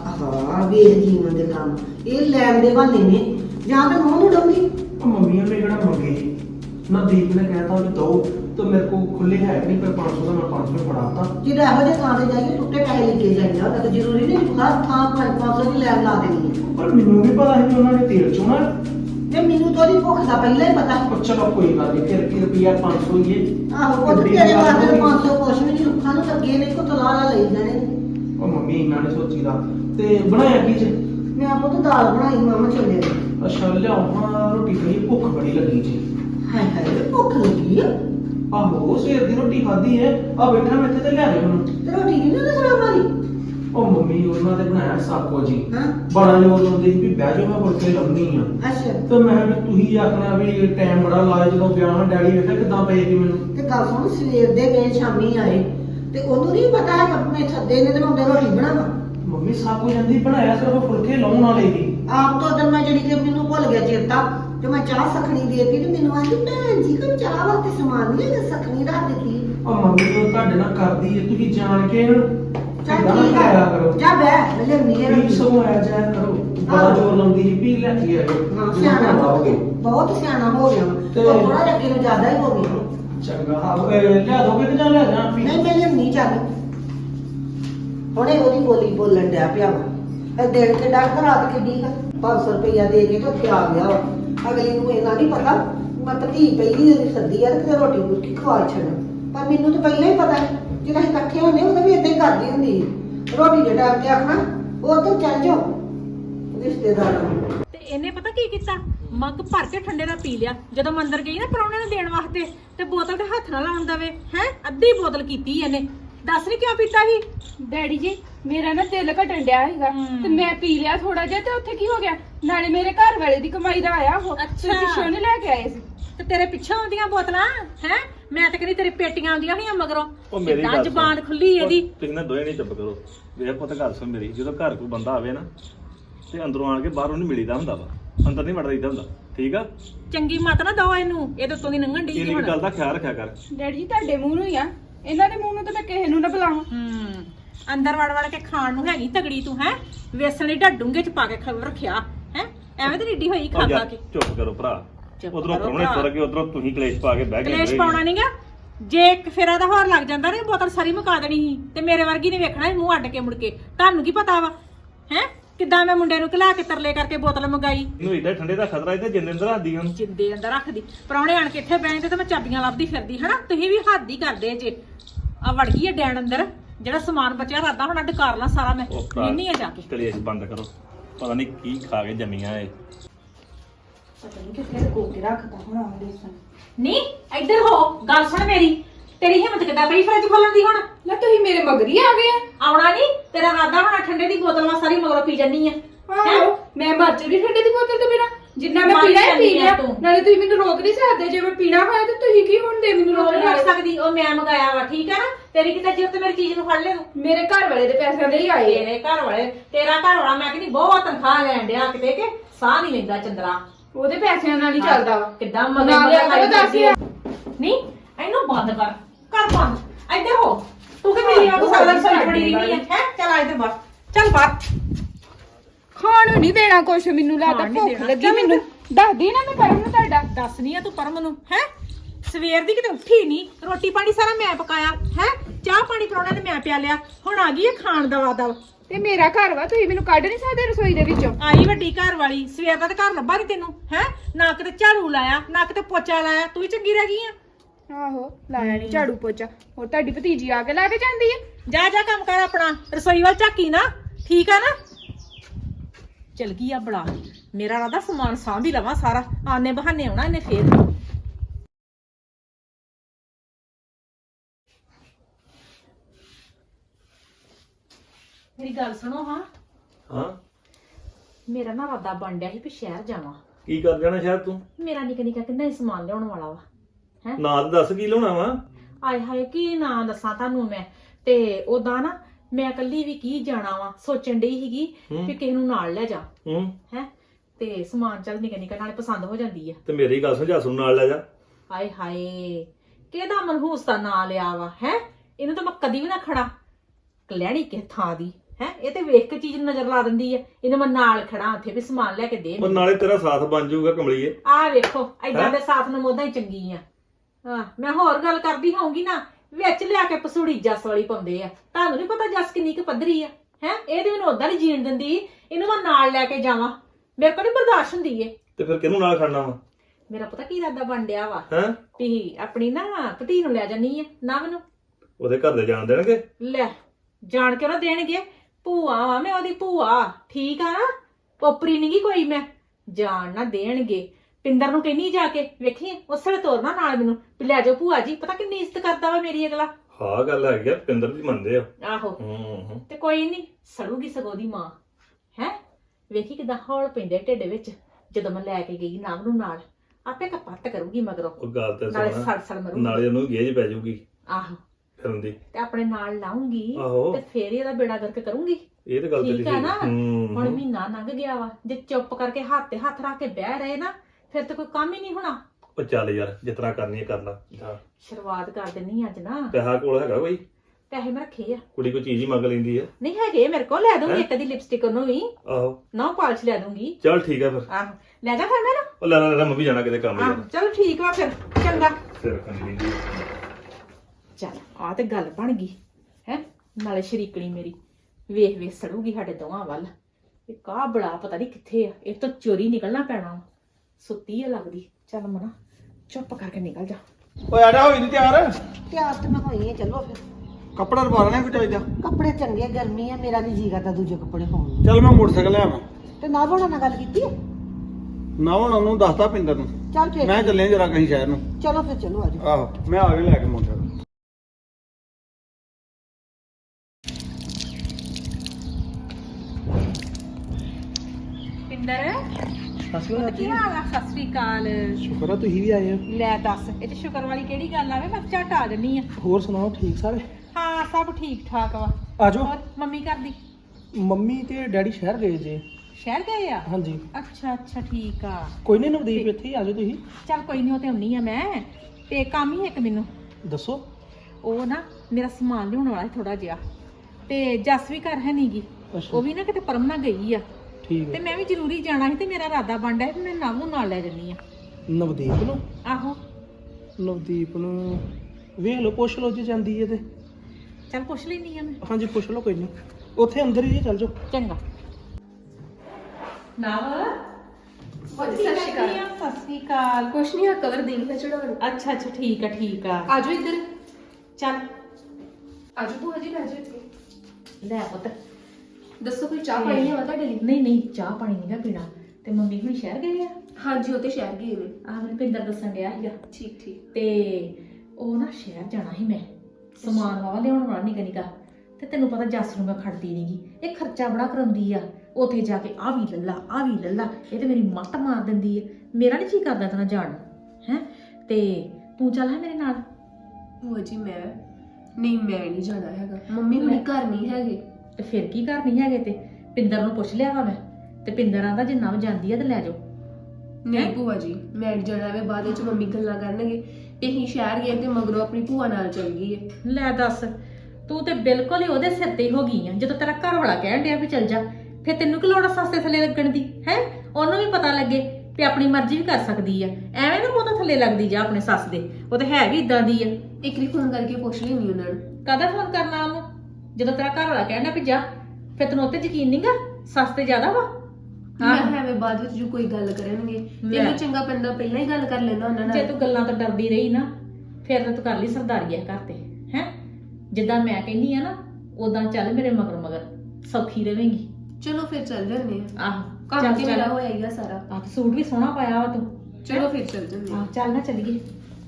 Speaker 6: ਹਾਂ ਵੇਖ ਜੀਵਨ ਦੇ ਕੰਮ ਇਹ ਲੈਣ ਦੇ ਬਹਾਨੇ ਨੇ ਜਾਂ ਤਾਂ ਮੂੰਹ ਨੂੰ ਡੰਗੀ।
Speaker 5: ਉਹ ਮੰਮੀ ਨੇ ਕਿਹੜਾ ਮੰਗੇ ਨਾ ਦੀਪ ਨੇ ਕਹਿਤਾ ਵੀ ਦੋ ਤੇ ਮੇਰੇ ਕੋਲ ਖੁੱਲੇ ਹੈ ਨਹੀਂ ਪਰ 500 ਦਾ ਮੈਂ 500 ਫੜਾਤਾ
Speaker 6: ਜਿਹੜਾ ਇਹੋ ਜਿਹੇ ਥਾਂ ਤੇ ਜਾਈਏ ਟੁੱਟੇ ਪੈਸੇ ਲੈ ਕੇ ਜਾਈਏ ਉਹਦਾ ਤਾਂ ਜ਼ਰੂਰੀ ਨਹੀਂ ਹਰ ਥਾਂ 500 ਦੀ ਲੈਣ ਲਾ ਦੇਣੀ ਹੈ।
Speaker 5: ਪਰ ਮੈਨੂੰ ਵੀ ਪਤਾ ਸੀ ਕਿ ਉਹਨਾਂ ਨੇ ਤੇਲ ਚੋਣਾ
Speaker 6: ਤੇ ਮੈਨੂੰ ਤਾਂ ਉਹਦੀ ਭੁੱਖ ਦਾ ਪਹਿਲਾਂ ਹੀ ਪਤਾ ਸੀ।
Speaker 5: ਉਹ ਚਲੋ ਕੋਈ ਗੱਲ ਨਹੀਂ ਫਿਰ ਕੀ ਰੁਪਇਆ 500 ਹੀ ਹੈ
Speaker 6: ਆਹੋ ਉਹ ਤੇ ਤੇਰੇ ਵਾਸਤੇ ਤਾਂ 500 ਕੁਛ ਵੀ ਨਹੀਂ ਰੁੱਖਾਂ ਨੂੰ ਲੱਗੇ ਨੇ ਕੋ ਤਲਾ ਲਾ ਲਈ ਜਾਣੇ ਨੇ।
Speaker 5: ਉਹ ਮੰਮੀ ਇਹਨਾਂ ਨੇ ਸੋਚੀਦਾ ਤੇ ਬਣਾਇਆ ਕੀ ਜੇ
Speaker 6: ਮੈਂ ਆਪੋ ਤਾਂ ਦਾਲ ਬਣਾਈ ਮਾਮਾ ਚੋਲੇ ਦੀ।
Speaker 5: ਅੱਛਾ ਲਿਆਓ ਹਾਂ ਰੋਟੀ ਖਾਈ ਭੁੱਖ ਬੜੀ ਲੱਗੀ ਜੀ
Speaker 6: ਹਾਏ ਹਾਏ ਭੁੱਖ ਲੱਗੀ ਆ
Speaker 5: ਆਹੋ ਸਵੇਰ ਦੀ ਰੋਟੀ ਖਾਧੀ ਹੈ ਆ ਬੈਠਾ ਮੈਂ ਇੱਥੇ ਤੇ ਲਿਆ ਦੇ ਮੈਨੂੰ
Speaker 6: ਤੇ ਰੋਟੀ ਨਹੀਂ ਨਾ ਸੜਾ ਮਾਰੀ?
Speaker 5: ਉਹ ਮੰਮੀ ਉਹਨਾਂ ਦੇ ਬਣਾਇਆ ਸਾਕੋ ਜੀ
Speaker 6: ਹਾਂ
Speaker 5: ਬੜਾ ਜੋਰ ਲਾਉਂਦੇ ਸੀ ਵੀ ਬਹਿ ਜਾਓ ਮੈਂ ਫੁਲਕੇ ਲਾਉਣੀ ਆ
Speaker 6: ਅੱਛਾ
Speaker 5: ਤੇ ਮੈਂ ਵੀ ਤੁਸੀਂ ਆਖਣਾ ਵੀ ਟਾਈਮ ਬੜਾ ਲਾਇਆ ਜਦੋਂ ਵਿਆਹ ਡੈਡੀ ਵੇਖਿਆ ਕਿਦਾਂ ਪਏ ਸੀ ਮੈਨੂੰ
Speaker 6: ਤੇ ਗੱਲ ਸੁਣ ਸਵੇਰ ਦੇ ਗਏ ਸ਼ਾਮੀ ਆਏ ਤੇ ਉਹਨੂੰ ਨਹੀਂ ਪਤਾ ਹੈ ਕਿ ਮੈਂ ਸੱਦੇ ਨੇ ਤੇ ਮੈਂ ਉਹਦੇ ਰੋਟੀ ਬਣਾਵਾਂ।
Speaker 5: ਮੰਮੀ ਸਾਕੋ ਜਾਂਦੀ ਬਣਾਇਆ ਸਿਰਫ ਫੁਲਕੇ ਲਾਉਣ ਵਾਲੇ ਸੀ
Speaker 6: ਆਪ ਤੋਂ ਉਦੋਂ ਮੈਂ ਜਿਹੜੀ ਕਿ ਮੈਨੂੰ ਭੁੱਲ ਗਿਆ ਚੇਤਾ ਤੇ ਮੈਂ ਚਾਹ ਸਖਣੀ ਦੇ ਦਿੱਤੀ ਤੇ ਮੈਨੂੰ ਆਂਦੀ ਭੈਣ ਜੀ ਕੋਈ ਚਾਹ ਵਾਸਤੇ ਸਮਾਨ ਨਹੀਂ ਹੈ ਸਖਣੀ ਰੱਖ ਦਿੱਤੀ।
Speaker 5: ਉਹ ਮੰਮੀ ਉਹ ਤੁਹਾਡੇ ਨਾਲ ਕਰਦੀ ਹੈ ਤੁਸੀਂ ਜਾਣ ਕੇ ਇਹਨੂੰ
Speaker 6: ਚੱਲ
Speaker 5: ਏਦਾਂ ਨਾ
Speaker 6: ਠੀਕ
Speaker 5: ਕਰਿਆ
Speaker 6: ਹੈ
Speaker 5: ਕਰੋ
Speaker 6: ਜਾ ਬਹਿ ਮੈਂ ਲਿਆਉਣੀ ਹੈ
Speaker 5: ਵੀ
Speaker 6: ਰੋਟੀ।
Speaker 5: ਸਗੋਂ ਆਇਆ ਜਾਇਆ ਕਰੋ ਬੜਾ
Speaker 6: ਆਹੋ।
Speaker 5: ਜੋਰ ਲਾਉਂਦੀ ਸੀ ਵੀ ਲੈ ਕੇ ਆਇਓ
Speaker 6: ਹਾਂ ਸਿਆਣਾ
Speaker 5: ਆਓਗੇ
Speaker 6: ਬਹੁਤ ਸਿਆਣਾ ਹੋ ਗਿਆ
Speaker 5: ਤੇ-
Speaker 6: ਉਹ ਥੋੜਾ ਜਿਹਾ ਅੱਗੇ ਨੂੰ ਜ਼ਿਆਦਾ ਹੀ ਹੋ ਗਿਆ।
Speaker 5: ਚੰਗਾ ਹਾਂ ਲਿਆ ਦੋਗੇ ਕਿ ਜਾਂ ਲੈ ਜਾ ਆਪੀ
Speaker 6: ਨਹੀਂ ਮੈਂ ਲਿਆਉਣੀ ਚੱਲ ਹੁਣੇ ਉਹਦੀ ਬੋਲੀ ਬੋਲਣ ਡਿਆ ਪਿਆ ਵਾ ਇਹ ਦਿਨ ਕੇ ਡਾਕਟਰ ਰਾਤ ਕਿੱਡੀ ਆ 500 ਰੁਪਇਆ ਦੇ ਕੇ ਤੇ ਉੱਥੇ ਆ ਗਿਆ ਵਾ। ਅਗਲੀ ਨੂੰ ਇਹਨਾਂ ਨਹੀਂ ਪਤਾ ਮਤ ਧੀ ਪਹਿਲੀ ਉਹਦੀ ਸੱਦੀ ਆ ਤੇ ਕਿਤੇ ਰੋਟੀ ਮੁਰਕੀ ਖਵਾ ਛੱਡ ਪਰ ਮੈਨੂੰ ਤਾਂ ਪਹਿਲਾਂ ਹੀ ਪਤਾ ਹੈ ਜਦੋਂ ਅਸੀਂ ਇਕੱਠੇ ਹੁੰਦੇ ਉਦੋਂ ਵੀ ਏਦਾਂ ਹੀ ਕਰਦੀ ਹੁੰਦੀ ਸੀ। ਰੋਟੀ ਦੇ ਟਾਈਮ ਤੇ ਆਖਣਾ ਉਹ ਤਾਂ ਚੱਲ ਜਾਓ ਰਿਸ਼ਤੇਦਾਰਾਂ ਨੂੰ।
Speaker 1: ਤੇ ਇਹਨੇ ਪਤਾ ਕੀ ਕੀਤਾ ਮੱਗ ਭਰ ਕੇ ਠੰਡੇ ਦਾ ਪੀ ਲਿਆ ਜਦੋਂ ਮੈਂ ਅੰਦਰ ਗਈ ਨਾ ਪਰੌਣੇ ਨੂੰ ਦੇਣ ਵਾਸਤੇ ਤੇ ਬੋਤਲ ਤੇ ਹੱਥ ਨਾ ਲਾਉਣ ਦਵੇ ਹੈ ਅੱਧੀ ਬੋਤਲ ਕੀਤੀ ਇਹਨੇ ਦੱਸ ਨਹੀਂ ਕਿਉਂ ਪੀਤਾ ਸੀ।
Speaker 4: ਡੈਡੀ ਜੀ ਮੇਰਾ ਨਾ ਦਿਲ ਘਟਣ ਡਿਆ ਹੈਗਾ
Speaker 1: ਹਮ।
Speaker 4: ਤੇ ਮੈਂ ਪੀ ਲਿਆ ਥੋੜਾ ਜਿਹਾ ਤੇ ਉੱਥੇ ਕੀ ਹੋ ਗਿਆ ਨਾਲੇ ਮੇਰੇ ਘਰ ਵਾਲੇ ਦੀ ਕਮਾਈ ਦਾ ਆਇਆ ਉਹ
Speaker 1: ਅੱਛਾ।
Speaker 4: ਤੇ ਪਿੱਛੋਂ ਨਹੀਂ ਲੈ ਕੇ ਆਏ ਸੀ।
Speaker 1: ਤੇ ਤੇਰੇ ਪਿੱਛੋਂ ਆਉਂਦੀਆਂ ਬੋਤਲਾਂ ਹੈ ਮੈਂ ਤਾਂ ਕਹਿੰਦੀ ਤੇਰੀ ਪੇਟੀਆਂ ਆਉਂਦੀਆਂ ਹੋਈਆਂ ਮਗਰੋਂ
Speaker 3: ਉਹ ਮੇਰੀ
Speaker 1: ਕਿੱਦਾਂ
Speaker 3: ਗੱਲ
Speaker 1: ਜ਼ਬਾਨ
Speaker 3: ਸੁਣ।
Speaker 1: ਖੁੱਲੀ ਇਹਦੀ
Speaker 3: ਉਹ ਤੁਸੀਂ ਨਾ ਦੋਏ ਨਹੀਂ ਚੁੱਪ ਕਰੋ ਵੇਖ ਪੁੱਤ ਗੱਲ ਸੁਣ ਮੇਰੀ ਜਦੋਂ ਘਰ ਕੋਈ ਬੰਦਾ ਆਵੇ ਨਾ ਤੇ ਅੰਦਰੋਂ ਆਣ ਕੇ ਬਾਹਰੋਂ ਨਹੀਂ ਮਿਲੀਦਾ ਹੁੰਦਾ ਵਾ ਅੰਦਰ ਨਹੀਂ ਵੜਦਾ ਹੁੰਦਾ ਠੀਕ ਆ
Speaker 1: ਚੰਗੀ ਮਤ ਨਾ ਦੋ ਇਹਨੂੰ ਇਹਦੇ ਉੱਤੋਂ ਦੀ ਲੰਘਣ ਡਈ
Speaker 3: ਇਹਦੀ
Speaker 1: ਹੁਣ
Speaker 3: ਗੱਲ ਦਾ ਖਿਆਲ ਰੱਖਿਆ ਕਰ
Speaker 4: ਡੈਡੀ ਜੀ ਤੁਹਾਡੇ ਮੂੰਹ ਨੂੰ ਹੀ ਆ ਇਹਨਾਂ ਦੇ ਮੂੰਹ ਨੂੰ ਤਾਂ ਮੈਂ ਕਿਸੇ ਨੂੰ ਨਾ ਬੁਲਾਵਾਂ।
Speaker 1: ਅੰਦਰ ਵੜ ਵੜ ਕੇ ਖਾਣ ਨੂੰ ਹੈਗੀ ਤਗੜੀ ਤੂੰ ਹੈ ਵੇਸਣ ਦੀ ਢੱਡੂਗੇ ਚ ਪਾ ਕੇ ਰੱਖਿਆ ਹੈ ਐਵੇਂ ਤੇ ਢਿੱਡੀ ਹੋਈ ਖਾ
Speaker 3: ਉਹ
Speaker 1: ਖਾ
Speaker 3: ਯਾਰ
Speaker 1: ਕੇ
Speaker 3: ਚੁੱਪ ਕਰੋ ਭਰਾ
Speaker 1: ਚੁੱਪ
Speaker 3: ਉਧਰੋਂ
Speaker 1: ਕਰੋ
Speaker 3: ਪ੍ਰਾਹੁਣੇ
Speaker 1: ਭਰਾ।
Speaker 3: ਤੁਰ ਗਏ ਉਧਰੋਂ ਤੁਸੀਂ ਕਲੇਸ਼ ਪਾ ਕੇ ਬਹਿ ਗਏ
Speaker 1: ਕਲੇਸ਼ ਪਾਉਣਾ ਨਹੀਂਗਾ ਜੇ ਇੱਕ ਫੇਰਾ ਦਾ ਹੋਰ ਲੱਗ ਜਾਂਦਾ ਨਾ ਇਹ ਬੋਤਲ ਸਾਰੀ ਮੁਕਾ ਦੇਣੀ ਸੀ ਤੇ ਮੇਰੇ ਵਰਗੀ ਨੇ ਵੇਖਣਾ ਸੀ ਮੂੰਹ ਅੱਡ ਕੇ ਮੁੜ ਕੇ ਤੁਹਾਨੂੰ ਕੀ ਪਤਾ ਵਾ ਹੈ ਕਿੱਦਾਂ ਮੈਂ ਮੁੰਡੇ ਨੂੰ ਘਲਾ ਕੇ ਤਰਲੇ ਕਰਕੇ ਬੋਤਲ ਮੰਗਾਈ
Speaker 3: ਇਹਨੂੰ ਏਡਾ ਠੰਡੇ ਦਾ ਖਤਰਾ ਇੱਥੇ ਜਿੰਦੇ ਅੰਦਰ ਆਦੀ ਹੁਣ
Speaker 1: ਜਿੰਦੇ ਅੰਦਰ ਰੱਖਦੀ ਪ੍ਰਾਹੁਣੇ ਆਣ ਕੇ ਇੱਥੇ ਬੈਠੇ ਤੇ ਮੈਂ ਚਾਬੀਆਂ ਲੱਭਦੀ ਫਿਰਦੀ ਹਨਾ ਤੁਸੀਂ ਵੀ ਹੱਦ ਹੀ ਕਰਦੇ ਜੇ ਆ ਵੜ ਗਈ ਹੈ ਡੈਣ ਅੰਦਰ ਜਿਹੜਾ ਸਮਾਨ ਬਚਿਆ ਰਾਦਾ ਹੁਣ ਡਕਾਰ ਲਾ ਸਾਰਾ ਮੈਂ
Speaker 3: ਉਹ ਭਰਾ
Speaker 1: ਨਹੀਂ ਆ ਜਾ ਕੇ
Speaker 3: ਕਲੇਸ਼ ਬੰਦ ਕਰੋ ਪਤਾ ਨਹੀਂ ਕੀ ਖਾ ਕੇ ਜੰਮੀਆਂ ਇਹ
Speaker 4: ਪਤਾ ਨਹੀਂ ਕਿੱਥੇ ਲੁਕੋ ਕੇ ਰੱਖਦਾ ਹੁਣ ਆਹ ਲੇਸਨ।
Speaker 1: ਨਹੀਂ ਇੱਧਰ ਹੋ ਗੱਲ ਸੁਣ ਮੇਰੀ ਤੇਰੀ ਹਿੰਮਤ ਕਿੱਦਾਂ ਪਈ ਫਰਿੱਜ ਖੋਲਣ ਦੀ ਹੁਣ
Speaker 4: ਲੈ ਤੁਸੀਂ ਮੇਰੇ ਮਗਰ ਹੀ ਆ ਗਏ ਆ।
Speaker 1: ਆਉਣਾ ਨਹੀਂ ਤੇਰਾ ਰਾਦਾ ਹੋਣਾ ਠੰਡੇ ਦੀ ਬੋਤਲ ਵਾ ਸਾਰੀ ਮਗਰੋਂ ਪੀ ਜੰਨੀ ਆ
Speaker 4: ਆਹੋ ਮੈਂ ਮਰ ਚਲੀ ਠੰਡੇ ਦੀ ਬੋਤਲ ਤੋਂ ਬਿਨਾ ਜਿੰਨਾ ਮੈਂ
Speaker 1: ਮਰ
Speaker 4: ਪੀਣਾ ਹੈ ਪੀ
Speaker 1: ਜਾਂਦੀ ਆ
Speaker 4: ਲਿਆ
Speaker 1: ਤੂੰ।
Speaker 4: ਨਾਲੇ ਤੁਸੀਂ ਮੈਨੂੰ ਰੋਕ ਨਹੀਂ ਸਕਦੇ ਜੇ ਮੈਂ ਪੀਣਾ ਹੋਇਆ ਤਾਂ ਤੁਸੀਂ ਕੀ ਹੁੰਦੇ ਮੈਨੂੰ
Speaker 1: ਰੋਕ
Speaker 4: ਰੋਕਣ
Speaker 1: ਨਹੀਂ
Speaker 4: ਵਾਲੇ।
Speaker 1: ਸਕਦੀ ਉਹ ਮੈਂ ਮੰਗਾਇਆ ਵਾ ਠੀਕ ਆ ਨਾ ਤੇਰੀ ਕਿਤੇ ਜਿੱਤ ਤੇ ਮੇਰੀ ਚੀਜ਼ ਨੂੰ ਫੜ ਲੈ ਤੂੰ
Speaker 4: ਮੇਰੇ ਘਰ ਵਾਲੇ ਦੇ ਪੈਸਿਆਂ ਦੇ ਹੀ ਆਏ ਆ।
Speaker 1: ਤੇਰੇ ਘਰ ਵਾਲੇ ਤੇਰਾ ਘਰ ਵਾਲਾ ਮੈਂ ਕਹਿੰਦੀ ਬਹੁਤ ਤਨਖਾਹ ਲੈਣ ਡਿਆ ਕਿਤੇ ਕਿ ਸਾਹ ਨਹੀਂ ਲੈਂਦਾ ਚੰਦਰਾ
Speaker 4: ਉਹਦੇ ਪੈਸਿਆਂ ਨਾਲ ਹੀ ਚੱਲਦਾ ਵਾ
Speaker 1: ਕਿੱਦਾਂ
Speaker 4: ਨਾ
Speaker 1: ਮਗਰ
Speaker 4: ਲਿਆ ਕਰੋ 10,000
Speaker 1: ਨਹੀਂ ਇਹਨੂੰ ਬੰਦ ਕਰ ਬੰਦ ਇੱਧਰ ਹੋ ਤੂੰ ਕਿ ਮੇਰੀ ਵਾਂਗੂ ਸਾਰਾ ਦਿਨ ਸੋਈ ਬੜੀ ਰਹਿੰਦੀ ਹੈ ਚੱਲ ਆ ਇੱਧਰ ਬਾਹਰ ਚੱਲ ਬਾਹਰ
Speaker 4: ਖਾਣ ਨੂੰ ਨਹੀਂ ਦੇਣਾ ਕੁਛ ਮੈਨੂੰ ਲੱਗਦਾ
Speaker 1: ਖਾਣ ਨੀ
Speaker 4: ਭੁੱਖ
Speaker 1: ਦੇਣਾ।
Speaker 4: ਲੱਗੀ
Speaker 1: ਚੱਲ
Speaker 4: ਮੈਨੂੰ ਦੱਸਦੀ ਨਾ ਮੈਂ ਪਰਮ ਨੂੰ ਤੁਹਾਡਾ
Speaker 1: ਦੱਸਨੀ ਆ ਤੂੰ ਪਰਮ ਨੂੰ ਹੈ ਸਵੇਰ ਦੀ ਕਿਤੇ ਉੱਠੀ ਨਹੀਂ ਰੋਟੀ ਪਾਣੀ ਸਾਰਾ ਮੈਂ ਪਕਾਇਆ ਹੈ ਚਾਹ ਪਾਣੀ ਪਰੋਣਾ ਤੇ ਮੈਂ ਪਿਆ ਲਿਆ ਹੁਣ ਆ ਗਈ ਹੈ ਖਾਣ ਦਾ ਵਾਦਾ
Speaker 4: ਤੇ ਮੇਰਾ ਘਰ ਵਾ ਤੁਸੀਂ ਮੈਨੂੰ ਕੱਢ ਨਹੀਂ ਸਕਦੇ ਰਸੋਈ ਦੇ ਵਿੱਚੋਂ
Speaker 1: ਆਈ ਵੱਡੀ ਘਰ ਵਾਲੀ ਸਵੇਰ ਦਾ ਤੇ ਘਰ ਲੱਭਾ ਨਹੀਂ ਤੈਨੂੰ ਹੈ ਨਾ ਕਿਤੇ ਝਾੜੂ ਲਾਇਆ ਨਾ ਕਿਤੇ ਪੋਚਾ ਲਾਇਆ ਤੂੰ ਹੀ ਚੰਗੀ ਰਹਿ ਗਈ ਆ
Speaker 4: ਆਹੋ ਲਾਇਆ ਨਹੀਂ ਝਾੜੂ ਪੋਚਾ ਹੋਰ ਤੁਹਾਡੀ ਭਤੀਜੀ ਆ ਕੇ ਲਾ ਕੇ ਜਾਂਦੀ ਹੈ
Speaker 1: ਜਾ ਕੰਮ ਕਰ ਆਪਣਾ ਰਸੋਈ ਵੱਲ ਝਾਕੀ ਨਾ ਠੀਕ ਆ ਨਾ ਚਲ ਗਈ ਆ ਬੜਾ ਮੇਰਾ ਰਾਦਾ ਸਮਾਨ ਸਾਂਭ ਹੀ ਲਵਾਂ ਸਾਰਾ ਆਨੇ ਬਹਾਨੇ ਆਉਣਾ ਇਹਨੇ ਫੇਰ ਮੇਰੀ ਗੱਲ ਸੁਣੋ ਹਾਂ
Speaker 3: ਹਾਂ
Speaker 1: ਮੇਰਾ ਨਾ ਰਾਦਾ ਬਣ ਡਿਆ ਸੀ ਵੀ ਸ਼ਹਿਰ ਜਾਵਾਂ
Speaker 3: ਕੀ ਕਰ ਜਾਣਾ ਸ਼ਾਇਦ ਤੂੰ
Speaker 1: ਮੇਰਾ ਨਿੱਕਾ ਨਿੱਕਾ ਕਿੰਨਾ ਹੀ ਸਮਾਨ ਲਿਆਉਣ ਵਾਲਾ ਵਾ ਹੈ
Speaker 3: ਨਾਂ ਤਾਂ ਦੱਸ ਕੀ ਲਾਉਣਾ ਵਾ
Speaker 1: ਆਏ ਹਾਏ ਕੀ ਨਾਂ ਦੱਸਾਂ ਤੁਹਾਨੂੰ ਮੈਂ ਤੇ ਉਦਾਂ ਨਾ ਮੈਂ ਇਕੱਲੀ ਵੀ ਕੀ ਜਾਣਾ ਵਾ ਸੋਚਣ ਡਈ ਸੀਗੀ ਕਿ ਕਿਸੇ ਨੂੰ ਨਾਲ ਲੈ ਜਾ
Speaker 3: ਹੂੰ
Speaker 1: ਹੈ ਤੇ ਸਮਾਨ ਚੱਲ ਨਿੱਕਾ ਨਿੱਕਾ ਨਾਲੇ ਪਸੰਦ ਹੋ ਜਾਂਦੀ ਆ
Speaker 3: ਤੇ ਮੇਰੀ ਗੱਲ ਸੁਣ ਜਾਸੂ ਨੂੰ ਨਾਲ ਲੈ ਜਾ
Speaker 1: ਆਏ ਹਾਏ ਕਿਹਦਾ ਮਨਹੂਸ ਦਾ ਨਾਂ ਲਿਆ ਵਾ ਹੈ ਇਹਨੂੰ ਤਾਂ ਮੈਂ ਕਦੀ ਵੀ ਨਾ ਖੜਾ ਕਲਿਆਣੀ ਕਿਸ ਥਾਂ ਦੀ ਹੈ ਇਹ ਤੇ ਵੇਖ ਕੇ ਚੀਜ਼ ਨੂੰ ਨਜ਼ਰ ਲਾ ਦਿੰਦੀ ਆ ਇਹਨੂੰ ਮੈਂ ਨਾਲ ਖੜਾ ਉੱਥੇ ਵੀ ਸਮਾਨ ਲੈ ਕੇ ਦੇ
Speaker 3: ਉਹ ਨਾਲੇ ਤੇਰਾ ਸਾਥ ਬਣ ਜਾਊਗਾ ਕਮਲੀਏ
Speaker 1: ਆਹ ਵੇਖੋ ਏਦਾਂ ਦੇ ਸਾਥ ਨੂੰ ਮੋਦਾ ਹੀ ਚੰਗੀ ਆ ਹਾਂ ਮੈਂ ਹੋਰ ਗੱਲ ਕਰਦੀ ਹੋਊਂਗੀ ਨਾ ਵਿੱਚ ਲਿਆ ਕੇ ਪਸੂੜੀ ਜੱਸ ਵਾਲੀ ਪਾਉਂਦੇ ਆ ਤੁਹਾਨੂੰ ਨਹੀਂ ਪਤਾ ਜੱਸ ਕਿੰਨੀ ਕੁ ਪੱਧਰੀ ਆ ਹੈ ਇਹ ਤੇ ਮੈਨੂੰ ਉਦਾਂ ਨਹੀਂ ਜੀਣ ਦਿੰਦੀ ਇਹਨੂੰ ਮੈਂ ਨਾਲ ਲੈ ਕੇ ਜਾਵਾਂ ਮੇਰੇ ਕੋਲ ਨਹੀਂ ਬਰਦਾਸ਼ਤ ਹੁੰਦੀ ਏ
Speaker 3: ਤੇ ਫਿਰ ਕਿਹਨੂੰ ਨਾਲ ਖੜਨਾ ਵਾ
Speaker 1: ਮੇਰਾ ਪਤਾ ਕੀ ਇਰਾਦਾ ਬਣ ਡਿਆ ਵਾ
Speaker 3: ਹੈ
Speaker 1: ਵੀ ਆਪਣੀ ਨਾ ਭਤੀ ਨੂੰ ਲੈ ਜਾਨੀ ਆ ਨਾ ਮੈਨੂੰ
Speaker 3: ਉਹਦੇ ਘਰ ਦੇ ਜਾਣ ਦੇਣਗੇ
Speaker 1: ਲੈ ਜਾਣ ਕੇ ਨਾ ਦੇਣਗੇ ਭੂਆ ਵਾ ਮੈਂ ਉਹਦੀ ਭੂਆ ਠੀਕ ਆ ਨਾ ਪੋਪਰੀ ਨੀ ਗੀ ਕੋਈ ਮੈਂ ਜਾਣ ਨਾ ਦੇਣਗੇ ਪਿੰਦਰ ਨੂੰ ਕਹਿੰਨੀ ਜਾ ਕੇ ਵੇਖੀ ਉਸੇ ਵੇਲੇ ਤੋਰਨਾ ਨਾਲ ਮੈਨੂੰ ਵੀ ਲੈ ਜਾਓ ਭੂਆ ਜੀ ਪਤਾ ਕਿੰਨੀ ਇੱਜ਼ਤ ਕਰਦਾ ਵਾ ਮੇਰੀ ਅਗਲਾ
Speaker 3: ਹਾਂ ਗੱਲ ਹੈਗੀ ਆ ਪਿੰਦਰ ਦੀ ਮੰਨਦੇ ਆ
Speaker 1: ਆਹੋ
Speaker 3: ਹੂੰ
Speaker 1: ਤੇ ਕੋਈ ਨਹੀਂ ਸੜੂਗੀ ਸਗੋਂ ਦੀ ਮਾਂ ਹੈ ਵੇਖੀ ਕਿਦਾਂ ਹੌਲ ਪੈਂਦੇ ਢਿੱਡ ਵਿੱਚ ਜਦੋਂ ਮੈਂ ਲੈ ਕੇ ਗਈ ਨਾਮ ਨੂੰ ਨਾਲ ਆਪੇ ਕਪੱਤ ਕਰੂਗੀ ਮਗਰੋਂ
Speaker 3: ਉਹ ਗੱਲ ਤੇ
Speaker 1: ਨਾਲੇ
Speaker 3: ਸੁਣ
Speaker 1: ਸੜ ਸੜ ਮਰੂ
Speaker 3: ਨਾਲੇ ਉਹਨੂੰ ਗੇਜ ਪੈ ਜਾਊਗੀ
Speaker 1: ਆਹੋ
Speaker 3: ਫਿਰਨ ਦੀ
Speaker 1: ਤੇ ਆਪਣੇ ਨਾਲ ਲਾਉਂਗੀ
Speaker 3: ਆਹੋ।
Speaker 1: ਤੇ ਫੇਰ ਹੀ ਇਹਦਾ ਬੇੜਾ ਕਰਕੇ ਕਰੂੰਗੀ
Speaker 3: ਇਹ ਤਾਂ ਗੱਲ ਤੇਰੀ
Speaker 1: ਠੀਕ ਆ ਨਾ
Speaker 3: ਹੂੰ
Speaker 1: ਹੁਣ ਮਹੀਨਾ ਲੰਘ ਗਿਆ ਵਾ ਜੇ ਚੁੱਪ ਕਰਕੇ ਹੱਥ ਤੇ ਹੱਥ ਰੱਖ ਕੇ ਬਹਿ ਰਹੇ ਨਾ ਫਿਰ ਤਾਂ ਕੋਈ ਕੰਮ ਹੀ ਨਹੀਂ ਹੋਣਾ
Speaker 3: ਉਹ ਚੱਲ ਯਾਰ ਜਿਤਨਾ ਕਰਨੀ ਹੈ ਕਰ ਲਾ ਹਾਂ
Speaker 1: ਸ਼ੁਰੂਆਤ ਕਰ ਦਿੰਨੀ ਅੱਜ ਨਾ
Speaker 3: ਪੈਸਾ ਕੋਲ ਹੈਗਾ ਕੋਈ
Speaker 1: ਪੈਸੇ ਮੈਂ ਰੱਖੇ ਆ
Speaker 3: ਕੁੜੀ ਕੋਈ ਚੀਜ਼ ਹੀ ਮੰਗ ਲੈਂਦੀ ਹੈ
Speaker 1: ਨਹੀਂ ਹੈਗੇ ਮੇਰੇ ਕੋਲ ਲੈ ਦੂੰਗੀ ਇੱਕ ਦੀ ਲਿਪਸਟਿਕ ਉਹਨੂੰ ਵੀ
Speaker 3: ਆਹੋ
Speaker 1: ਨੌ ਪਾਲਿਸ਼ ਲੈ ਦੂੰਗੀ
Speaker 3: ਚੱਲ ਠੀਕ ਆ ਫਿਰ
Speaker 1: ਆਹੋ ਲੈ ਜਾ ਫਿਰ ਮੈਂ ਨਾ
Speaker 3: ਉਹ ਲੈ ਮੈਂ ਵੀ ਜਾਣਾ ਕਿਤੇ ਕੰਮ
Speaker 1: ਆਹੋ
Speaker 3: ਯਾਰ
Speaker 1: ਚਲ ਠੀਕ ਵਾ ਫਿਰ ਚੰਗਾ
Speaker 3: ਸਿਰ ਖੰਡੀ ਦੀ
Speaker 1: ਚੱਲ ਆ ਤੇ ਗੱਲ ਬਣ ਗਈ ਹੈ ਨਾਲੇ ਸ਼ਰੀਕਣੀ ਮੇਰੀ ਵੇਖ ਵੇਖ ਸੜੂਗੀ ਸਾਡੇ ਦੋਵਾਂ ਵੱਲ ਇਹ ਕਾ ਬੜਾ ਪਤਾ ਨਹੀਂ ਕਿੱਥੇ ਆ ਇਹ ਤੋਂ ਚੋਰੀ ਨਿਕਲਣਾ ਪੈਣਾ ਵਾ। ਸੁੱਤੀ ਆ ਲੱਗਦੀ ਚੱਲ ਮਨਾ ਚੁੱਪ ਕਰਕੇ ਨਿਕਲ ਜਾ
Speaker 5: ਓਏ ਆ ਜਾ ਹੋਈ ਨਹੀਂ ਤਿਆਰ
Speaker 6: ਤਿਆਰ ਤੇ ਮੈਂ ਹੋਈ ਆ ਚਲੋ ਫਿਰ
Speaker 5: ਕੱਪੜਾ ਰਵਾ ਲੈਣਾ ਕੋਈ ਚਾਹੀਦਾ
Speaker 6: ਕੱਪੜੇ ਚੰਗੇ ਗਰਮੀ ਆ ਮੇਰਾ ਨਹੀਂ ਜੀ ਕਰਦਾ ਦੂਜੇ ਕੱਪੜੇ ਪਾਉਣ ਨੂੰ
Speaker 5: ਚੱਲ ਮੈਂ ਮੋਟਰਸਾਈਕਲ ਲੈ ਆਵਾਂ
Speaker 6: ਤੇ ਨਾ ਬੋਣਾ ਨਾਲ ਗੱਲ ਕੀਤੀ ਹੈ
Speaker 5: ਨਾ ਹੁਣ ਉਹਨੂੰ ਦੱਸਦਾ ਪਿੰਦਰ ਨੂੰ
Speaker 6: ਚੱਲ ਫਿਰ
Speaker 5: ਮੈਂ ਚੱਲਿਆ ਜਰਾ ਕਹੀਂ ਸ਼ਹਿਰ ਨੂੰ
Speaker 6: ਚਲੋ ਫਿਰ ਚਲੋ ਆਜੋ
Speaker 5: ਆਹੋ ਮੈਂ ਆ ਕੇ ਲੈ ਕੇ ਮੋਟਰਸਾਈਕਲ
Speaker 1: ਪਿੰਦਰ
Speaker 5: ਸਸੂਰਾ
Speaker 1: ਕੀ ਹਾਲ ਆ ਸਤਿ ਸ੍ਰੀ ਅਕਾਲ
Speaker 5: ਸ਼ੁਕਰ ਆ ਤੁਸੀਂ ਵੀ ਆਏ ਹੋ
Speaker 1: ਲੈ ਦੱਸ ਇਹ ਤੇ ਸ਼ੁਕਰ ਵਾਲੀ ਕਿਹੜੀ ਗੱਲ ਆਵੇ ਮੈਂ ਝਟ ਆ ਜੰਨੀ ਆ
Speaker 5: ਹੋਰ ਸੁਣਾਓ ਠੀਕ ਸਾਰੇ
Speaker 1: ਹਾਂ ਸਭ ਠੀਕ ਠਾਕ ਵਾ
Speaker 5: ਆਜੋ
Speaker 1: ਹੋਰ ਮੰਮੀ ਕਰਦੀ
Speaker 5: ਮੰਮੀ ਤੇ ਡੈਡੀ ਸ਼ਹਿਰ ਗਏ ਜੇ
Speaker 1: ਸ਼ਹਿਰ ਗਏ ਆ
Speaker 5: ਹਾਂਜੀ
Speaker 1: ਅੱਛਾ ਅੱਛਾ ਠੀਕ ਆ
Speaker 5: ਕੋਈ ਨਹੀਂ ਨਵਦੀਪ ਇੱਥੇ ਹੀ ਆਜੋ ਤੁਸੀਂ
Speaker 1: ਚੱਲ ਕੋਈ ਨਹੀਂ ਉਹ ਤੇ ਆਉਣੀ ਆ ਮੈਂ ਤੇ ਕੰਮ ਹੀ ਇੱਕ ਮੈਨੂੰ
Speaker 5: ਦੱਸੋ
Speaker 1: ਉਹ ਨਾ ਮੇਰਾ ਸਮਾਨ ਲਿਆਉਣ ਵਾਲਾ ਥੋੜਾ ਜਿਹਾ ਤੇ ਜੱਸ ਵੀ ਘਰ ਹੈ ਨਹੀਂਗੀ
Speaker 5: ਅੱਛਾ
Speaker 1: ਉਹ ਵੀ ਨਾ ਕਿਤੇ ਪਰਮ ਨਾਲ ਗਈ ਆ
Speaker 5: ਠੀਕ
Speaker 1: ਤੇ
Speaker 5: ਹੈ
Speaker 1: ਮੈਂ ਵੀ ਜ਼ਰੂਰੀ ਜਾਣਾ ਸੀ ਤੇ ਮੇਰਾ ਇਰਾਦਾ ਬਣ ਡਿਆ ਸੀ ਮੈਂ ਨਵ ਨੂੰ ਨਾਲ ਲੈ ਜੰਨੀ ਆ
Speaker 5: ਨਵਦੀਪ ਨੂੰ
Speaker 1: ਆਹੋ
Speaker 5: ਨਵਦੀਪ ਨੂੰ ਵੇਖ ਲਓ ਪੁੱਛ ਲਓ ਜੇ ਜਾਂਦੀ ਹੈ ਤੇ
Speaker 1: ਚੱਲ ਪੁੱਛ ਲੈਣੀ ਆ ਮੈਂ
Speaker 5: ਹਾਂਜੀ ਪੁੱਛ ਲਓ ਕੋਈ ਨਹੀਂ ਉੱਥੇ ਅੰਦਰ ਹੀ ਜੇ ਚੱਲ ਜਾਓ
Speaker 1: ਚੰਗਾ ਨਵ
Speaker 2: ਸਤਿ ਸ਼੍ਰੀ ਅਕਾਲ
Speaker 1: ਸਤਿ ਸ਼੍ਰੀ ਅਕਾਲ
Speaker 2: ਕੁਛ ਨਹੀਂ ਆ ਕਵਰ ਦੇਖ ਲੈ ਚੜਾਉਣ
Speaker 1: ਅੱਛਾ ਅੱਛਾ ਠੀਕ ਆ
Speaker 2: ਆਜੋ ਇੱਧਰ
Speaker 1: ਚੱਲ
Speaker 2: ਆਜੋ ਭੂਆ ਜੀ ਬੈਠੋ ਇੱਥੇ
Speaker 1: ਲੈ ਪੁੱਤ
Speaker 2: ਦੱਸੋ ਕੋਈ ਚਾਹ ਪਾਣੀ ਲਿਆਵਾਂ ਤੁਹਾਡੇ ਲਈ
Speaker 1: ਨਹੀਂ ਚਾਹ ਪਾਣੀ ਨਹੀਂਗਾ ਪੀਣਾ ਤੇ ਮੰਮੀ ਹੁਣ ਸ਼ਹਿਰ ਗਏ ਆ
Speaker 2: ਹਾਂਜੀ ਉਹ ਤੇ ਸ਼ਹਿਰ ਗਏ ਨੇ
Speaker 1: ਆਹ ਮੈਨੂੰ ਪਿੰਦਰ ਦੱਸਣ ਡਿਆ ਸੀਗਾ
Speaker 2: ਠੀਕ ਠੀਕ
Speaker 1: ਤੇ ਉਹ ਨਾ ਸ਼ਹਿਰ ਜਾਣਾ ਸੀ ਮੈਂ ਸਮਾਨ ਵਾਵਾ ਲਿਆਉਣ ਵਾਲਾ ਨਿੱਕਾ ਨਿੱਕਾ ਤੇ ਤੈਨੂੰ ਪਤਾ ਜੱਸ ਨੂੰ ਮੈਂ ਖੜਦੀ ਨਹੀਂਗੀ ਇਹ ਖਰਚਾ ਬੜਾ ਕਰਾਉਂਦੀ ਆ ਉੱਥੇ ਜਾ ਕੇ ਆ ਵੀ ਲੱਲਾ ਇਹ ਤੇ ਮੇਰੀ ਮੱਤ ਮਾਰ ਦਿੰਦੀ ਹੈ ਮੇਰਾ ਨਹੀਂ ਜੀ ਕਰਦਾ ਤਨਾ ਜਾਣ ਹੈ ਤੇ ਤੂੰ ਚੱਲ ਹੈ ਮੇਰੇ ਨਾਲ
Speaker 2: ਭੂਆ ਜੀ ਮੈਂ ਨਹੀਂ ਜਾਣਾ ਹੈਗਾ ਮੰਮੀ ਹੁਣੀ ਘਰ ਨਹੀਂ ਹੈਗੇ
Speaker 1: ਤੇ ਫਿਰ ਕੀ ਕਰਨੀ ਹੈਗੇ ਤੇ ਪਿੰਦਰ ਨੂੰ ਪੁੱਛ ਲਿਆ ਵਾ ਮੈਂ ਤੇ ਪਿੰਦਰ ਆਂਦਾ ਜੇ ਨਵ ਜਾਂਦੀ ਆ ਤੇ ਲੈ ਜਾਓ
Speaker 2: ਨਹੀਂ ਭੂਆ ਜੀ ਮੈਂ ਨੀ ਜਾਣਾ ਵੇ ਬਾਅਦ ਵਿੱਚ ਮੰਮੀ ਗੱਲਾਂ ਕਰਨਗੇ ਵੀ ਅਸੀਂ ਸ਼ਹਿਰ ਗਏ ਤੇ ਮਗਰੋਂ ਆਪਣੀ ਭੂਆ ਨਾਲ ਚੱਲ ਗਈ ਹੈ।
Speaker 1: ਲੈ ਦੱਸ, ਤੂੰ ਤੇ ਬਿਲਕੁਲ ਹੀ ਉਹਦੇ ਸਿਰ ਤੇ ਹੀ ਹੋ ਗਈ ਆ। ਜਦੋਂ ਤੇਰਾ ਘਰ ਵਾਲਾ ਕਹਿਣ ਡਿਆ ਵੀ ਚੱਲ ਜਾ, ਫਿਰ ਤੈਨੂੰ ਕੀ ਲੋੜ ਆ ਸੱਸ ਦੇ ਥੱਲੇ ਲੱਗਣ ਦੀ ਹੈ? ਉਹਨੂੰ ਵੀ ਪਤਾ ਲੱਗੇ ਵੀ ਆਪਣੀ ਮਰਜ਼ੀ ਵੀ ਕਰ ਸਕਦੀ ਆ। ਐਵੇਂ ਨਾ ਉਹਦੇ ਥੱਲੇ ਲੱਗਦੀ ਜਾ ਆਪਣੇ ਸੱਸ ਦੇ, ਉਹ ਤੇ ਹੈ ਵੀ ਇਦਾਂ ਦੀ ਆ।
Speaker 2: ਇੱਕ ਵਾਰੀ ਫੋਨ ਕਰਕੇ ਪੁੱਛ ਲੈਣੀ ਉਹਨਾਂ ਨੂੰ।
Speaker 1: ਕਾਹਦਾ ਫੋਨ ਕਰਨਾ ਉਹਨੂੰ? ਜਦੋਂ ਤੇਰਾ ਘਰ ਵਾਲਾ ਕਹਿਣ ਡਿਆ ਵੀ ਜਾ, ਫਿਰ ਤੈਨੂੰ ਉੱਤੇ ਯਕੀਨ ਨਹੀਂਗਾ? ਸੱਸ ਤੇ ਜ਼ਿਆਦਾ ਵਾ।
Speaker 2: ਮੈਂ ਐਵੇਂ ਬਾਅਦ ਵਿੱਚ ਜੋ ਕੋਈ ਗੱਲ ਕਰਨਗੇ ਤੇ ਇਹਨੂੰ ਚੰਗਾ ਪੈਂਦਾ ਪਹਿਲਾਂ ਹੀ ਗੱਲ ਕਰ ਲੈਣਾ ਉਹਨਾਂ
Speaker 1: ਜੇ
Speaker 2: ਨਾਲ।
Speaker 1: ਤੂੰ ਗੱਲਾਂ ਤੋਂ ਡਰਦੀ ਰਹੀ ਨਾ, ਫਿਰ ਤਾਂ ਤੂੰ ਕਰ ਲਈ ਸਰਦਾਰੀ ਆ ਘਰ ਤੇ ਹੈ। ਜਿੱਦਾਂ ਮੈਂ ਕਹਿੰਦੀ ਆ ਨਾ ਉਦਾਂ ਚੱਲ ਮੇਰੇ ਮਗਰ ਮਗਰ, ਸੌਖੀ ਰਵੇਂਗੀ।
Speaker 2: ਚਲੋ ਫਿਰ ਚੱਲ ਜਾਂਦੇ ਆ।
Speaker 1: ਆਹੋ
Speaker 2: ਕੰਮ ਤੇ ਮੇਰਾ ਹੋਇਆ ਹੀਗਾ ਸਾਰਾ।
Speaker 1: ਆਹ ਸੂਟ ਵੀ ਸੋਹਣਾ ਪਾਇਆ ਵਾ ਤੂੰ।
Speaker 2: ਚਲੋ ਫਿਰ ਚੱਲ ਜਾਂਦੇ ਆ।
Speaker 1: ਆਹ ਚੱਲ ਨਾ ਚੱਲੀਏ।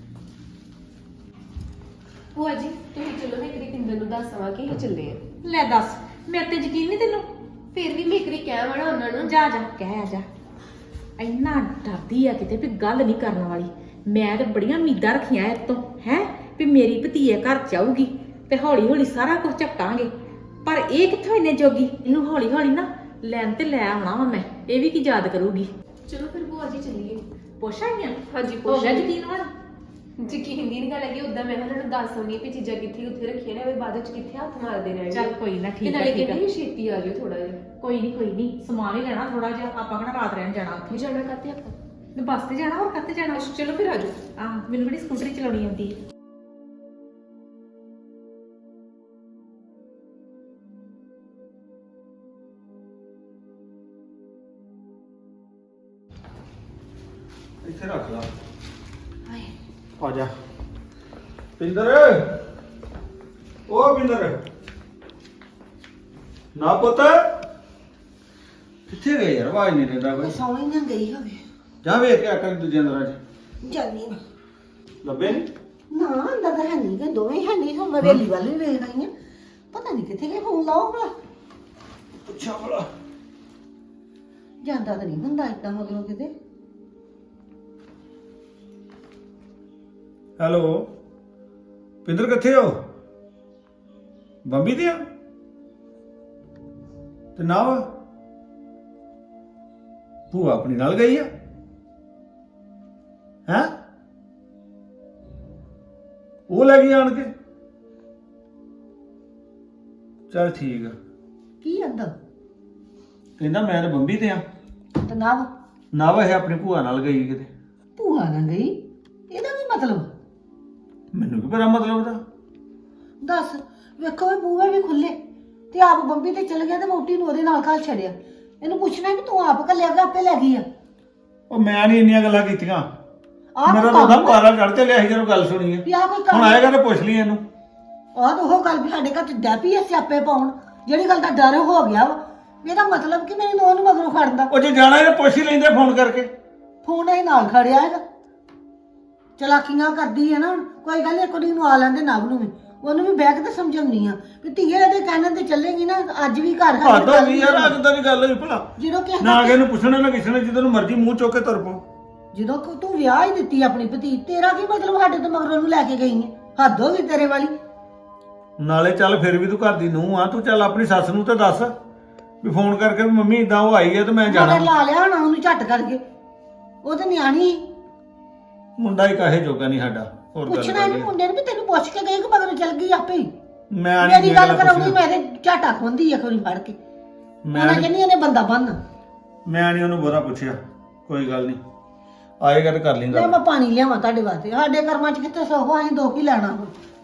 Speaker 2: ਭੂਆ ਜੀ ਤੁਸੀਂ ਚਲੋ ਮੈਂ ਇੱਕ ਪਿੰਦਰ ਨੂੰ ਦੱਸ ਆਵਾਂ ਕਿ ਅਸੀਂ ਚੱਲੇ ਆ।
Speaker 1: ਲੈ ਦੱਸ, ਮੇਰੇ ਤੇ ਯਕੀਨ ਨਹੀਂ ਤੈਨੂੰ?
Speaker 2: ਫਿਰ ਵੀ ਮੈਂ ਇੱਕ ਵਾਰੀ ਕਹਿ ਵਣਾ ਉਹਨਾਂ ਨੂੰ।
Speaker 1: ਜਾ ਜਾ ਕਹਿ ਆ ਜਾ। ਇੰਨਾ ਡਰਦੀ ਆ ਕਿਤੇ ਵੀ ਗੱਲ ਨਹੀਂ ਕਰਨ ਵਾਲੀ। ਮੈਂ ਤੇ ਬੜੀਆਂ ਉਮੀਦਾਂ ਰੱਖੀਆਂ ਇਹ ਤੋਂ ਹੈ ਵੀ ਮੇਰੀ ਭਤੀਏ ਘਰ ਚ ਆਊਗੀ ਤੇ ਹੌਲੀ ਹੌਲੀ ਸਾਰਾ ਕੁਝ ਝਪਟਾਂਗੇ। ਪਰ ਇਹ ਕਿੱਥੋਂ ਇੰਨੇ ਜੋਗੀ? ਇਹਨੂੰ ਹੌਲੀ ਹੌਲੀ ਨਾ ਲੈਣ ਤੇ ਲੈ ਆਉਣਾ ਵਾ ਮੈਂ। ਇਹ ਵੀ ਕੀ ਯਾਦ ਕਰੂਗੀ।
Speaker 2: ਚਲੋ ਫਿਰ ਭੂਆ ਜੀ ਚੱਲੀਏ।
Speaker 1: ਪੁੱਛ ਆਈਆਂ?
Speaker 2: ਹਾਂਜੀ
Speaker 1: ਹੋ
Speaker 2: ਪੁੱਛ
Speaker 1: ਗਿਆ ਯਕੀਨ ਹੁਣ?
Speaker 2: ਯਕੀਨ ਦੀ ਨਹੀਂ ਗੱਲ ਹੈਗੀ। ਉਦਾਂ ਮੈਂ ਉਹਨਾਂ ਨੂੰ ਦੱਸ ਆਉਂਦੀ ਵੀ ਚੀਜ਼ਾਂ ਕਿੱਥੇ ਉੱਥੇ ਰੱਖੀਆਂ ਨੇ, ਬਾਅਦ ਵਿੱਚ ਕਿੱਥੇ ਹੱਥ ਮਾਰਦੇ ਰਹਿਣਗੇ।
Speaker 1: ਚੱਲ ਕੋਈ ਨਾ,
Speaker 2: ਤੇ
Speaker 1: ਠੀਕ
Speaker 2: ਨਾਲੇ
Speaker 1: ਹੈ ਠੀਕ
Speaker 2: ਕਹਿੰਦੇ
Speaker 1: ਹੈ।
Speaker 2: ਸੀ ਛੇਤੀ ਆ ਜਾਓ ਥੋੜਾ ਜਿਹਾ।
Speaker 1: ਕੋਈ ਨਹੀਂ ਸਮਾਨ ਹੀ ਲੈਣਾ ਥੋੜਾ ਜਿਹਾ। ਆਪਾਂ ਕਿਹੜਾ ਰਾਤ ਰਹਿਣ ਜਾਣਾ ਉੱਥੇ?
Speaker 2: ਜਾਣਾ ਕਾਤੇ ਆਪਾਂ?
Speaker 1: ਤੇ ਬੱਸ ਤੇ ਜਾਣਾ, ਹੋਰ ਕਾਤੇ ਜਾਣਾ?
Speaker 2: ਚਲੋ ਫਿਰ ਆ ਜਾਓ।
Speaker 1: ਆਹ ਮੈਨੂੰ ਕਿਹੜੀ ਸਕੂਟਰੀ ਚਲਾਉਣੀ ਆਉਂਦੀ ਹੈ?
Speaker 3: ਇੱਥੇ ਰੱਖ ਲਾ। ਆ ਜਾ ਪਿੰਦਰ, ਓ ਪਿੰਦਰ ਨਾ ਪੁੱਤ, ਕਿੱਥੇ ਗਏ ਯਾਰ? ਆਵਾਜ਼ ਨਹੀਂ ਦਿੰਦਾ ਕੋਈ।
Speaker 6: ਸੌਣੀ ਨਾ ਗਈ ਹੋਵੇ।
Speaker 3: ਜਾ ਵੇਖ ਕੇ ਆ ਕਰ ਦੂਜੇ ਅੰਦਰਾਂ ਚ।
Speaker 6: ਜਾਨੀ ਨਾ
Speaker 3: ਲੱਭੇ ਨੀ?
Speaker 6: ਨਾ ਅੰਦਰ ਤਾਂ ਹੈ ਨਹੀਂ ਕਿ ਦੋਵੇਂ ਹੈ ਨਹੀਂ। ਹੁਣ ਹਵੇਲੀ ਵੱਲ ਵੀ ਵੇਖ ਰਹੀ ਆ, ਪਤਾ ਨਹੀਂ ਕਿੱਥੇ ਗਏ। ਫੋਨ ਲਾਓ ਭਲਾ,
Speaker 3: ਪੁੱਛਾ ਭਲਾ।
Speaker 6: ਜਾਂਦਾ ਤਾਂ ਨਹੀਂ ਹੁੰਦਾ ਏਦਾਂ ਮਗਰੋਂ ਕਿਤੇ।
Speaker 3: ਹੈਲੋ ਪਿੰਦਰ, ਕਿੱਥੇ ਹੋ? ਬੰਬੀ ਤੇ ਆ ਤੇ ਨਾ ਵਾ ਭੂਆ ਆਪਣੀ ਨਾਲ ਗਈ ਆ ਹੈ? ਉਹ ਲੈ ਗਈ ਆਣ ਕੇ? ਚਲ ਠੀਕ ਆ।
Speaker 6: ਕੀ ਅੰਦਰ
Speaker 3: ਕਹਿੰਦਾ ਮੈਂ ਤਾਂ ਬੰਬੀ ਤੇ ਆ।
Speaker 6: ਤੇ ਨਾ
Speaker 3: ਨਾ ਵਾ ਇਹ ਆਪਣੀ ਭੂਆ ਨਾਲ ਗਈ ਕਿਤੇ।
Speaker 6: ਭੂਆ ਨਾ ਗਈ, ਇਹਦਾ ਕੀ ਮਤਲਬ?
Speaker 3: ਮੈਨੂੰ ਕੀ ਪਤਾ ਮਤਲਬ ਦਾ।
Speaker 6: ਦੱਸ, ਵੇਖੋ ਇਹ ਬੂਹੇ ਵੀ ਖੁੱਲੇ ਤੇ ਆਪ ਬੰਬੀ ਤੇ ਚਲ ਗਿਆ ਤੇ ਮੋਟੀ ਨੂੰ ਉਹਦੇ ਨਾਲ ਘਰ ਛੱਡਿਆ। ਇਹਨੂੰ ਪੁੱਛਣਾ ਕਿ ਤੂੰ ਆਪ ਘੱਲਿਆ ਕਿ ਆਪੇ ਲੈ ਗਈ ਆ?
Speaker 3: ਉਹ ਮੈਂ ਨਹੀਂ ਇੰਨੀਆਂ ਗੱਲਾਂ ਕੀਤੀਆਂ।
Speaker 6: ਆਹ
Speaker 3: ਮੇਰਾ
Speaker 6: ਕੋਈ
Speaker 3: ਤਾਂ ਉਹਦਾ
Speaker 6: ਕੰਮ
Speaker 3: ਪਾਰਾ ਚੜ ਚੱਲਿਆ ਸੀ ਜਦੋਂ ਗੱਲ ਸੁਣੀ ਹੈ।
Speaker 6: ਵੀ ਆਹ ਕੋਈ ਕੰਮ
Speaker 3: ਹੁਣ ਆਏਗਾ ਤੇ ਪੁੱਛ ਲਈ ਇਹਨੂੰ।
Speaker 6: ਆਹ ਤਾਂ ਉਹ ਗੱਲ ਵੀ ਸਾਡੇ ਘਰ ਚ ਡੈਪੀ ਐ ਸਿਆਪੇ ਪਾਉਣ, ਜਿਹੜੀ ਗੱਲ ਦਾ ਡਰ ਹੋ ਗਿਆ ਵਾ। ਇਹਦਾ ਮਤਲਬ ਕਿ ਮੇਰੀ ਨੂੰਹ ਨੂੰ ਮਗਰੋਂ ਖੜਦਾ।
Speaker 3: ਉਹ ਜੇ ਜਾਣਾ ਇਹ ਪੁੱਛ ਹੀ ਲੈਂਦੇ ਫੋਨ ਕਰਕੇ।
Speaker 6: ਫੋਨ ਇਹ ਨਾਲ ਖੜਿਆ ਹੈਗਾ, ਚਲਾਕੀਆਂ ਕਰਦੀ ਹੈ ਨਾ। ਹੁਣ ਕੋਈ ਗੱਲ ਨੀ, ਕੁੜੀ ਨੂੰ ਆ ਲੈਂਦੇ ਨਵ ਨੂੰ ਵੀ, ਉਹਨੂੰ ਵੀ ਬਹਿ ਕੇ ਤੇ ਸਮਝਾਉਣੀ ਆ ਵੀ ਧੀਏ ਇਹਦੇ ਕਹਿਣ ਤੇ ਚੱਲੇਗੀ ਨਾ। ਅੱਜ ਵੀ ਘਰ ਹੈ
Speaker 3: ਹੱਦ ਹੋ ਗਈ ਯਾਰ, ਅੱਜ ਤਾਂ ਦੀ ਗੱਲ ਹੋਈ ਭਲਾ।
Speaker 6: ਜਦੋਂ ਕਿ
Speaker 3: ਨਾ ਕਿਸੇ ਨੂੰ ਪੁੱਛਣਾ ਨਾ ਕਿਸੇ ਨੇ, ਜਦੋਂ ਨੂੰ ਮਰਜ਼ੀ ਮੂੰਹ ਚੁੱਕ ਕੇ ਤੁਰ ਪੋ।
Speaker 6: ਜਦੋਂ ਤੂੰ ਵਿਆਹ ਹੀ ਦਿੱਤੀ ਆਪਣੀ ਭਤੀ, ਤੇਰਾ ਕੀ ਮਤਲਬ ਸਾਡੇ ਤੋਂ ਮਗਰੋਂ ਨੂੰ ਲੈ ਕੇ ਗਈ ਹੈ? ਹੱਦ ਹੋ ਗਈ ਤੇਰੇ ਵਾਲੀ।
Speaker 3: ਨਾਲੇ ਚੱਲ ਫਿਰ ਵੀ ਤੂੰ ਘਰ ਦੀ ਨੂੰਹ ਆ, ਤੂੰ ਚੱਲ ਆਪਣੀ ਸੱਸ ਨੂੰ ਤਾਂ ਦੱਸ ਵੀ ਫੋਨ ਕਰਕੇ ਵੀ ਮੰਮੀ ਇਦਾਂ ਉਹ ਆਈ ਹੈ ਤੇ ਮੈਂ ਜਾਣਾ।
Speaker 6: ਮਗਰ ਲਾ ਲਿਆ ਹੋਣਾ ਉਹਨੂੰ ਝੱਟ ਕਰਕੇ, ਉਹ ਤੇ ਨਿਆਣੀ ਸੀ।
Speaker 3: ਮੁੰਡਾ ਹੀ ਕਾਹੇ ਜੋਗਾ ਨਹੀਂ ਸਾਡਾ। ਹੋਰ ਗੱਲ
Speaker 6: ਪੁੱਛਣਾ ਇਹਨੂੰ ਮੁੰਡੇ ਨੂੰ ਵੀ ਤੈਨੂੰ ਪੁੱਛ ਕੇ ਗਈ ਕਿ ਮਗਰੋਂ ਚੱਲ ਗਈ ਆਪੇ ਹੀ।
Speaker 3: ਮੈਂ ਨਹੀਂ
Speaker 6: ਮੇਰੀ ਗੱਲ ਕਰਾਉਣੀ, ਮੇਰੇ ਝਾਟਾ ਖੁੰਦੀ ਆ ਕੋਈ ਫੜ ਕੇ।
Speaker 3: ਮੈਂ
Speaker 6: ਉਹਨਾਂ ਕਹਿੰਦੀ ਇਹਨੇ ਬੰਦਾ ਬੰਨ।
Speaker 3: ਮੈਂ ਨਹੀਂ ਉਹਨੂੰ ਬੋਰਾ ਪੁੱਛਿਆ। ਕੋਈ ਗੱਲ ਨਹੀਂ, ਆਏਗਾ ਤੇ ਕਰ
Speaker 6: ਲੈ
Speaker 3: ਲੇਂਗਾ।
Speaker 6: ਮੈਂ ਪਾਣੀ ਲਿਆਵਾਂ ਤੁਹਾਡੇ ਵਾਸਤੇ। ਸਾਡੇ ਕਰਮਾਂ 'ਚ ਕਿੱਥੇ ਸੋਹ, ਅਸੀਂ ਦੁੱਖ ਹੀ ਲੈਣਾ ਹੁਣ।